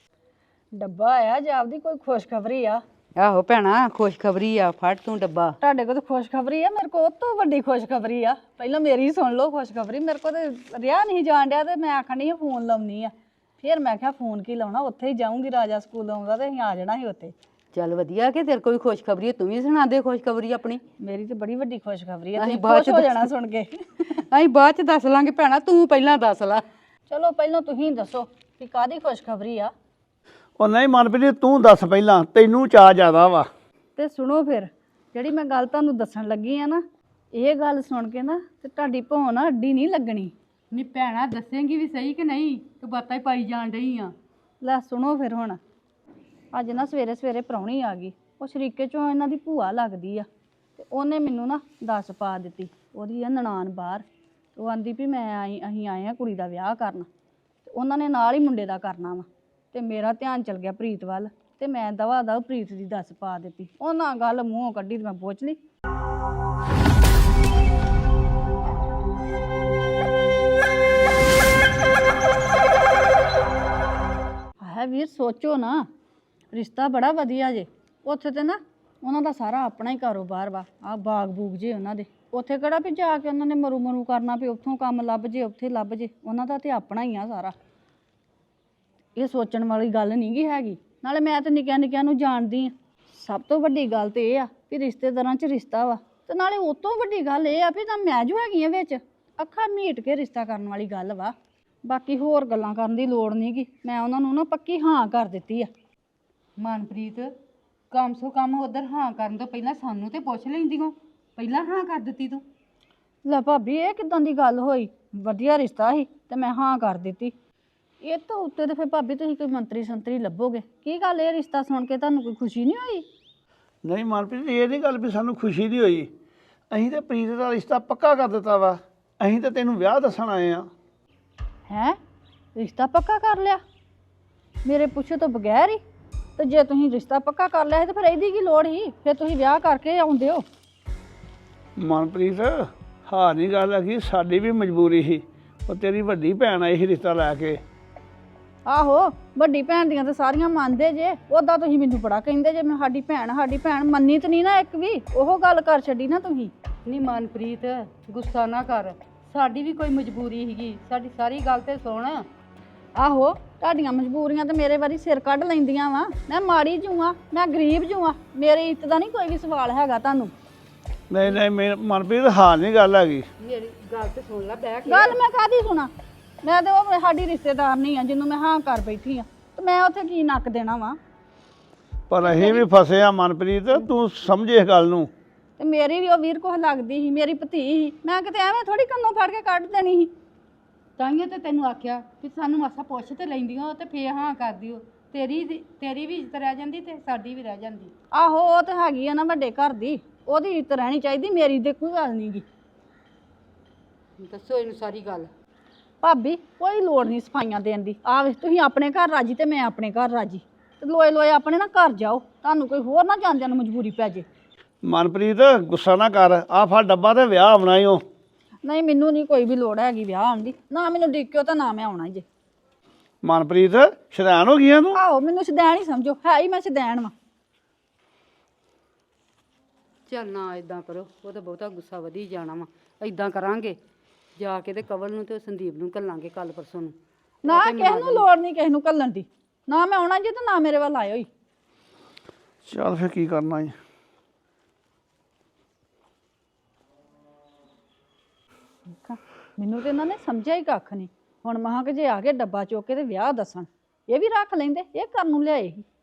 ਡੱਬਾ ਆਇਆ ਜਾਪਦੀ, ਕੋਈ ਖੁਸ਼ਖਬਰੀ ਆ? ਆਹੋ ਭੈਣਾ, ਖੁਸ਼ਖਬਰੀ ਆ। ਫੜ ਤੂੰ ਡੱਬਾ। ਤੁਹਾਡੇ ਕੋਲ ਤਾਂ ਖੁਸ਼ਖਬਰੀ ਆ, ਮੇਰੇ ਕੋਲ ਉਹ ਤੋਂ ਵੱਡੀ ਖੁਸ਼ਖਬਰੀ ਆ। ਪਹਿਲਾਂ ਮੇਰੀ ਸੁਣ ਲਓ ਖੁਸ਼ਖਬਰੀ। ਮੇਰੇ ਕੋਲ ਤੇ ਰਿਹਾ ਨਹੀਂ ਜਾਣ ਡਿਆ ਤੇ ਮੈਂ ਆਖਣ ਡਈ ਫੋਨ ਲਾਉਣੀ ਆ। ਫਿਰ ਮੈਂ ਕਿਹਾ ਫੋਨ ਕੀ ਲਾਉਣਾ, ਉੱਥੇ ਹੀ ਜਾਊਂਗੀ, ਰਾਜਾ ਸਕੂਲ ਆਉਂਦਾ ਤੇ ਅਸੀਂ ਆ ਜਾਣਾ ਸੀ ਉੱਥੇ। ਚੱਲ ਵਧੀਆ ਕਿ ਤੇਰੇ ਕੋਈ ਖੁਸ਼ਖਬਰੀ ਹੈ, ਤੂੰ ਵੀ ਸੁਣਾ ਦੇ ਖੁਸ਼ਖਬਰੀ ਆਪਣੀ। ਮੇਰੀ ਤੇ ਬੜੀ ਵੱਡੀ ਖੁਸ਼ਖਬਰੀ ਹੈ, ਤੁਸੀਂ ਖੁਸ਼ ਹੋ ਜਾਣਾ ਸੁਣ ਕੇ। ਅਸੀਂ ਬਾਅਦ ਚ ਦੱਸ ਲਾਂਗੇ ਭੈਣਾ, ਤੂੰ ਪਹਿਲਾਂ ਦੱਸ ਲਾ। ਚਲੋ ਪਹਿਲਾਂ ਤੁਸੀਂ ਦੱਸੋ ਕਿ ਕਾਹਦੀ ਖੁਸ਼ਖਬਰੀ ਆ?
ਉਹ ਨਹੀਂ ਮਨਪ੍ਰੀਤ, ਤੂੰ ਦੱਸ ਪਹਿਲਾਂ, ਤੈਨੂੰ ਚਾਅ ਜ਼ਿਆਦਾ ਵਾ।
ਤੇ ਸੁਣੋ ਫਿਰ, ਜਿਹੜੀ ਮੈਂ ਗੱਲ ਤੁਹਾਨੂੰ ਦੱਸਣ ਲੱਗੀ ਆ ਨਾ, ਇਹ ਗੱਲ ਸੁਣ ਕੇ ਨਾ ਤੇ ਤੁਹਾਡੀ ਭੌਂ ਨਾ ਅੱਡੀ ਨਹੀਂ ਲੱਗਣੀ। ਨਹੀਂ ਭੈਣਾ, ਦੱਸੇਂਗੀ ਵੀ ਸਹੀ ਕਿ ਨਹੀਂ, ਤੂੰ ਬਾਤਾਂ ਹੀ ਪਾਈ ਜਾਣ ਡਈ ਆ। ਲੈ ਸੁਣੋ ਫਿਰ ਹੁਣ। ਅੱਜ ਨਾ ਸਵੇਰੇ ਪ੍ਰਾਹੁਣੀ ਆ ਗਈ। ਉਹ ਸ਼ਰੀਕੇ ਚੋਂ ਇਹਨਾਂ ਦੀ ਭੂਆ ਲੱਗਦੀ ਆ ਤੇ ਉਹਨੇ ਮੈਨੂੰ ਨਾ ਦੱਸ ਪਾ ਦਿੱਤੀ। ਉਹਦੀ ਆ ਨਨਾਣ ਬਾਹਰ, ਉਹ ਆਂਦੀ ਵੀ ਅਸੀਂ ਆਏ ਆ ਕੁੜੀ ਦਾ ਵਿਆਹ ਕਰਨ ਤੇ ਉਹਨਾਂ ਨੇ ਨਾਲ ਹੀ ਮੁੰਡੇ ਦਾ ਕਰਨਾ ਵਾ। ਤੇ ਮੇਰਾ ਧਿਆਨ ਚਲ ਗਿਆ ਪ੍ਰੀਤ ਵੱਲ ਤੇ ਮੈਂ ਦਵਾ ਦਵ ਪ੍ਰੀਤ ਦੀ ਦੱਸ ਪਾ ਦਿੱਤੀ। ਉਹਨਾਂ ਗੱਲ ਮੂੰਹੋਂ ਕੱਢੀ ਤੇ ਮੈਂ ਪੁੱਛ ਲਈ। ਹੈ ਵੀਰ, ਸੋਚੋ ਨਾ, ਰਿਸ਼ਤਾ ਬੜਾ ਵਧੀਆ ਜੇ। ਉੱਥੇ ਤੇ ਨਾ ਉਹਨਾਂ ਦਾ ਸਾਰਾ ਆਪਣਾ ਹੀ ਕਾਰੋਬਾਰ ਵਾ। ਆਹ ਬਾਗ ਬੂਗ ਜੇ ਉਹਨਾਂ ਦੇ, ਉੱਥੇ ਕਿਹੜਾ ਵੀ ਜਾ ਕੇ ਉਹਨਾਂ ਨੇ ਮਰੂ ਕਰਨਾ ਵੀ ਉੱਥੋਂ ਕੰਮ ਲੱਭ ਜੇ ਉੱਥੇ ਲੱਭ ਜੇ। ਉਹਨਾਂ ਦਾ ਤੇ ਆਪਣਾ ਹੀ ਆ ਸਾਰਾ। ਇਹ ਸੋਚਣ ਵਾਲੀ ਗੱਲ ਨਹੀਂ ਗੀ ਹੈਗੀ। ਨਾਲੇ ਮੈਂ ਤਾਂ ਨਿੱਕਿਆਂ ਨੂੰ ਜਾਣਦੀ ਆ। ਸਭ ਤੋਂ ਵੱਡੀ ਗੱਲ ਤੇ ਇਹ ਆ ਵੀ ਰਿਸ਼ਤੇਦਾਰਾਂ 'ਚ ਰਿਸ਼ਤਾ ਵਾ, ਤੇ ਨਾਲੇ ਉਹ ਤੋਂ ਵੱਡੀ ਗੱਲ ਇਹ ਆ ਵੀ ਤਾਂ ਮੈਂ ਜੋ ਹੈਗੀ ਆ ਵਿੱਚ, ਅੱਖਾਂ ਮੀਟ ਕੇ ਰਿਸ਼ਤਾ ਕਰਨ ਵਾਲੀ ਗੱਲ ਵਾ। ਬਾਕੀ ਹੋਰ ਗੱਲਾਂ ਕਰਨ ਦੀ ਲੋੜ ਨਹੀਂ ਗੀ। ਮੈਂ ਉਹਨਾਂ ਨੂੰ ਨਾ ਪੱਕੀ ਹਾਂ ਕਰ ਦਿੱਤੀ ਆ। ਮਨਪ੍ਰੀਤ, ਕਮ ਸੋ ਕਮ ਉਧਰ ਹਾਂ ਕਰਨ ਤੋਂ ਪਹਿਲਾਂ ਸਾਨੂੰ ਤੇ ਪੁੱਛ ਲੈਂਦੀ ਹੋ, ਪਹਿਲਾਂ ਹਾਂ ਕਰ ਦਿੱਤੀ ਤੂੰ। ਲੈ ਭਾਬੀ, ਇਹ ਕਿਦਾਂ ਦੀ ਗੱਲ ਹੋਈ? ਵਧੀਆ ਰਿਸ਼ਤਾ ਸੀ ਤੇ ਮੈਂ ਹਾਂ ਕਰ ਦਿੱਤੀ। ਇਹ ਤੋਂ ਉੱਤੇ ਤੇ ਫਿਰ ਭਾਬੀ ਤੁਸੀਂ ਕੋਈ ਮੰਤਰੀ ਸੰਤਰੀ ਲੱਭੋਗੇ। ਕੀ ਗੱਲ, ਇਹ ਰਿਸ਼ਤਾ ਸੁਣ ਕੇ ਤੁਹਾਨੂੰ ਕੋਈ ਖੁਸ਼ੀ ਨਹੀਂ ਹੋਈ?
ਨਹੀਂ ਮਨਪ੍ਰੀਤ, ਇਹ ਨਹੀਂ ਗੱਲ ਵੀ ਸਾਨੂੰ ਖੁਸ਼ੀ ਨਹੀਂ ਹੋਈ। ਅਸੀਂ ਤੇ ਪ੍ਰੀਤ ਦਾ ਰਿਸ਼ਤਾ ਪੱਕਾ ਕਰ ਦਿੱਤਾ ਵਾ। ਅਸੀਂ ਤਾਂ ਤੈਨੂੰ ਵਿਆਹ ਦੱਸਣ ਆਏ ਆ।
ਹੈਂ, ਰਿਸ਼ਤਾ ਪੱਕਾ ਕਰ ਲਿਆ ਮੇਰੇ ਪੁੱਛੇ ਤੋਂ ਬਗੈਰ ਹੀ? ਤੇ ਜੇ ਤੁਸੀਂ ਰਿਸ਼ਤਾ ਪੱਕਾ ਕਰ ਲਿਆ ਸੀ ਤੇ ਫਿਰ ਇਹਦੀ ਕੀ ਲੋੜ ਸੀ? ਫਿਰ ਤੁਸੀਂ ਵਿਆਹ ਕਰਕੇ ਆਉਂਦੇ ਹੋ।
ਮਨਪ੍ਰੀਤ, ਹਾਂ ਨਹੀਂ ਗੱਲ ਹੈਗੀ, ਸਾਡੀ ਵੀ ਮਜਬੂਰੀ ਸੀ। ਉਹ ਤੇਰੀ ਵੱਡੀ ਭੈਣ ਆਈ ਸੀ ਰਿਸ਼ਤਾ ਲੈ ਕੇ।
ਆਹੋ, ਵੱਡੀ ਭੈਣ ਦੀਆਂ ਤਾਂ ਸਾਰੀਆਂ ਮੰਨਦੇ ਜੇ। ਉੱਦਾਂ ਤੁਸੀਂ ਮੈਨੂੰ ਬੜਾ ਕਹਿੰਦੇ ਜੇ ਮੈਂ ਸਾਡੀ ਭੈਣ ਮੰਨੀ ਤਾਂ ਨਹੀਂ ਨਾ ਇੱਕ ਵੀ। ਉਹ ਗੱਲ ਕਰ ਛੱਡੀ ਨਾ ਤੁਸੀਂ। ਨਹੀਂ ਮਨਪ੍ਰੀਤ, ਗੁੱਸਾ ਨਾ ਕਰ, ਸਾਡੀ ਵੀ ਕੋਈ ਮਜਬੂਰੀ ਸੀਗੀ। ਸਾਡੀ ਸਾਰੀ ਗੱਲ ਤੇ ਸੁਣ। ਆਹੋ,
ਤੁਹਾਡੀਆਂ ਮਜਬੂਰੀਆਂ ਤੇ ਮੇਰੇ ਵਾਰੀ ਸਿਰ ਕੱਢ ਲੈਂਦੀਆਂ ਵਾ। ਮੈਂ ਮਾੜੀ ਜੂ ਆ, ਮੈਂ ਗਰੀਬ ਜੂ ਆ, ਮੇਰੀ ਇੱਜ਼ਤ ਦਾ ਨਹੀਂ ਕੋਈ ਵੀ ਸਵਾਲ ਹੈਗਾ ਤੁਹਾਨੂੰ।
ਨਹੀਂ ਨਹੀਂ ਮਨਪ੍ਰੀਤ ਹਾਂ ਨਹੀਂ ਗੱਲ ਹੈਗੀ।
ਮੇਰੀ ਗੱਲ ਤੇ ਸੁਣ ਲੈ ਬਹਿ ਕੇ।
ਗੱਲ ਮੈਂ ਕਾਹਦੀ ਸੁਣਾ? ਮੈਂ ਤੇ ਉਹ ਸਾਡੀ ਰਿਸ਼ਤੇਦਾਰ ਨਹੀਂ ਆ ਜਿਹਨੂੰ ਮੈਂ ਹਾਂ ਕਰ ਬੈਠੀ ਆ, ਤੇ ਮੈਂ ਉੱਥੇ ਕੀ ਨੱਕ ਦੇਣਾ ਵਾ?
ਪਰ ਅਸੀਂ ਵੀ ਫਸੇ ਆ ਮਨਪ੍ਰੀਤ, ਤੂੰ ਸਮਝੇ ਇਸ ਗੱਲ ਨੂੰ।
ਤੇ ਮੇਰੀ ਵੀ ਉਹ ਵੀਰ ਕੋਲ ਲੱਗਦੀ ਸੀ, ਮੇਰੀ ਭਤੀ ਸੀ, ਮੈਂ ਕਿਤੇ ਐਵੇਂ ਥੋੜੀ ਕੰਨੋਂ ਫੜ ਕੇ ਕੱਢ ਦੇਣੀ ਸੀ।
ਤਾਂਹੀਓ ਤੇ ਤੈਨੂੰ ਆਖਿਆ ਕਿ ਸਾਨੂੰ ਮਾਸਾ ਪੁੱਛ ਤੇ ਲੈਂਦੀਆਂ ਤੇ ਫੇਰ ਹਾਂ ਕਰ ਦਿਓ। ਤੇਰੀ ਵੀ ਇੱਜ਼ਤ ਰਹਿ ਜਾਂਦੀ ਤੇ ਸਾਡੀ ਵੀ ਰਹਿ ਜਾਂਦੀ।
ਆਹੋ ਉਹ ਤੇ ਹੈਗੀ ਆ ਨਾ ਵੱਡੇ ਘਰ ਦੀ, ਉਹਦੀ ਇੱਜ਼ਤ ਰਹਿਣੀ ਚਾਹੀਦੀ, ਮੇਰੀ ਤੇ ਕੋਈ ਗੱਲ ਨਹੀਂ ਗੀ।
ਦੱਸੋ ਇਹਨੂੰ ਸਾਰੀ ਗੱਲ।
ਭਾਬੀ ਕੋਈ ਲੋੜ ਨਹੀਂ ਸਫਾਈਆਂ ਦੇਣ ਦੀ। ਆ ਵੇ ਤੁਸੀਂ ਆਪਣੇ ਘਰ ਰਾਜੀ ਤੇ ਮੈਂ ਆਪਣੇ ਘਰ ਰਾਜੀ, ਤੇ ਲੋਏ ਲੋਏ ਆਪਣੇ ਨਾ ਘਰ ਜਾਓ, ਤੁਹਾਨੂੰ ਕੋਈ ਹੋਰ ਨਾ ਜਾਂਦਿਆਂ ਨੂੰ ਮਜਬੂਰੀ ਪੈ ਜੇ।
ਮਨਪ੍ਰੀਤ ਗੁੱਸਾ ਨਾ ਕਰ, ਆ ਫੜ ਡੱਬਾ ਤੇ ਵਿਆਹ ਆਉਣਾ ਈ ਓ।
ਨਹੀਂ ਮੈਨੂੰ ਨਹੀਂ ਕੋਈ ਵੀ ਲੋੜ ਹੈਗੀ ਵਿਆਹ ਆਉਣ ਦੀ, ਨਾ ਮੈਨੂੰ ਡਿੱਕਿਓ ਤਾਂ ਨਾ ਮੈਂ ਆਉਣਾ ਜੇ।
ਮਨਪ੍ਰੀਤ ਸ਼ੈਤਾਨ ਹੋ ਗਈਆਂ ਤੂੰ?
ਆਹੋ ਮੈਨੂੰ ਸ਼ਦੈਣ ਹੀ ਸਮਝੋ, ਹੈ ਹੀ ਮੈਂ ਸ਼ਦੈਣ ਵਾਂ।
ਚੱਲ ਨਾ ਇਦਾਂ ਕਰੋ, ਉਹ ਤਾਂ ਬਹੁਤਾ ਗੁੱਸਾ ਵਧੀ ਜਾਣਾ ਵਾ। ਇਦਾਂ ਕਰਾਂਗੇ ਜਾ ਕੇ ਤੇ ਕਵਲ ਨੂੰ ਤੇ ਸੰਦੀਪ ਨੂੰ ਘੱਲਾਂਗੇ ਕੱਲ ਪਰਸੋਂ ਨੂੰ।
ਨਾ ਕਿਸੇ ਨੂੰ ਲੋੜ ਨਹੀਂ ਕਿਸੇ ਨੂੰ ਘੱਲਣ ਦੀ, ਨਾ ਮੈਂ ਆਉਣਾ ਜੇ ਤੇ ਨਾ ਮੇਰੇ ਵੱਲ ਆਇਓ ਹੀ।
ਚੱਲ ਫਿਰ ਕੀ ਕਰਨਾ ਈ।
ਮੈਨੂੰ ਤੇ ਇਹਨਾਂ ਨੇ ਸਮਝਿਆ ਹੀ ਕੱਖ ਨਹੀਂ। ਹੁਣ ਮਹਾਂ ਕਿ ਜੇ ਆ ਕੇ ਡੱਬਾ ਚੁੱਕ ਕੇ ਤੇ ਵਿਆਹ ਦੱਸਣ, ਇਹ ਵੀ ਰੱਖ ਲੈਂਦੇ, ਇਹ ਕਰਨ ਨੂੰ ਲਿਆਏ ਸੀ।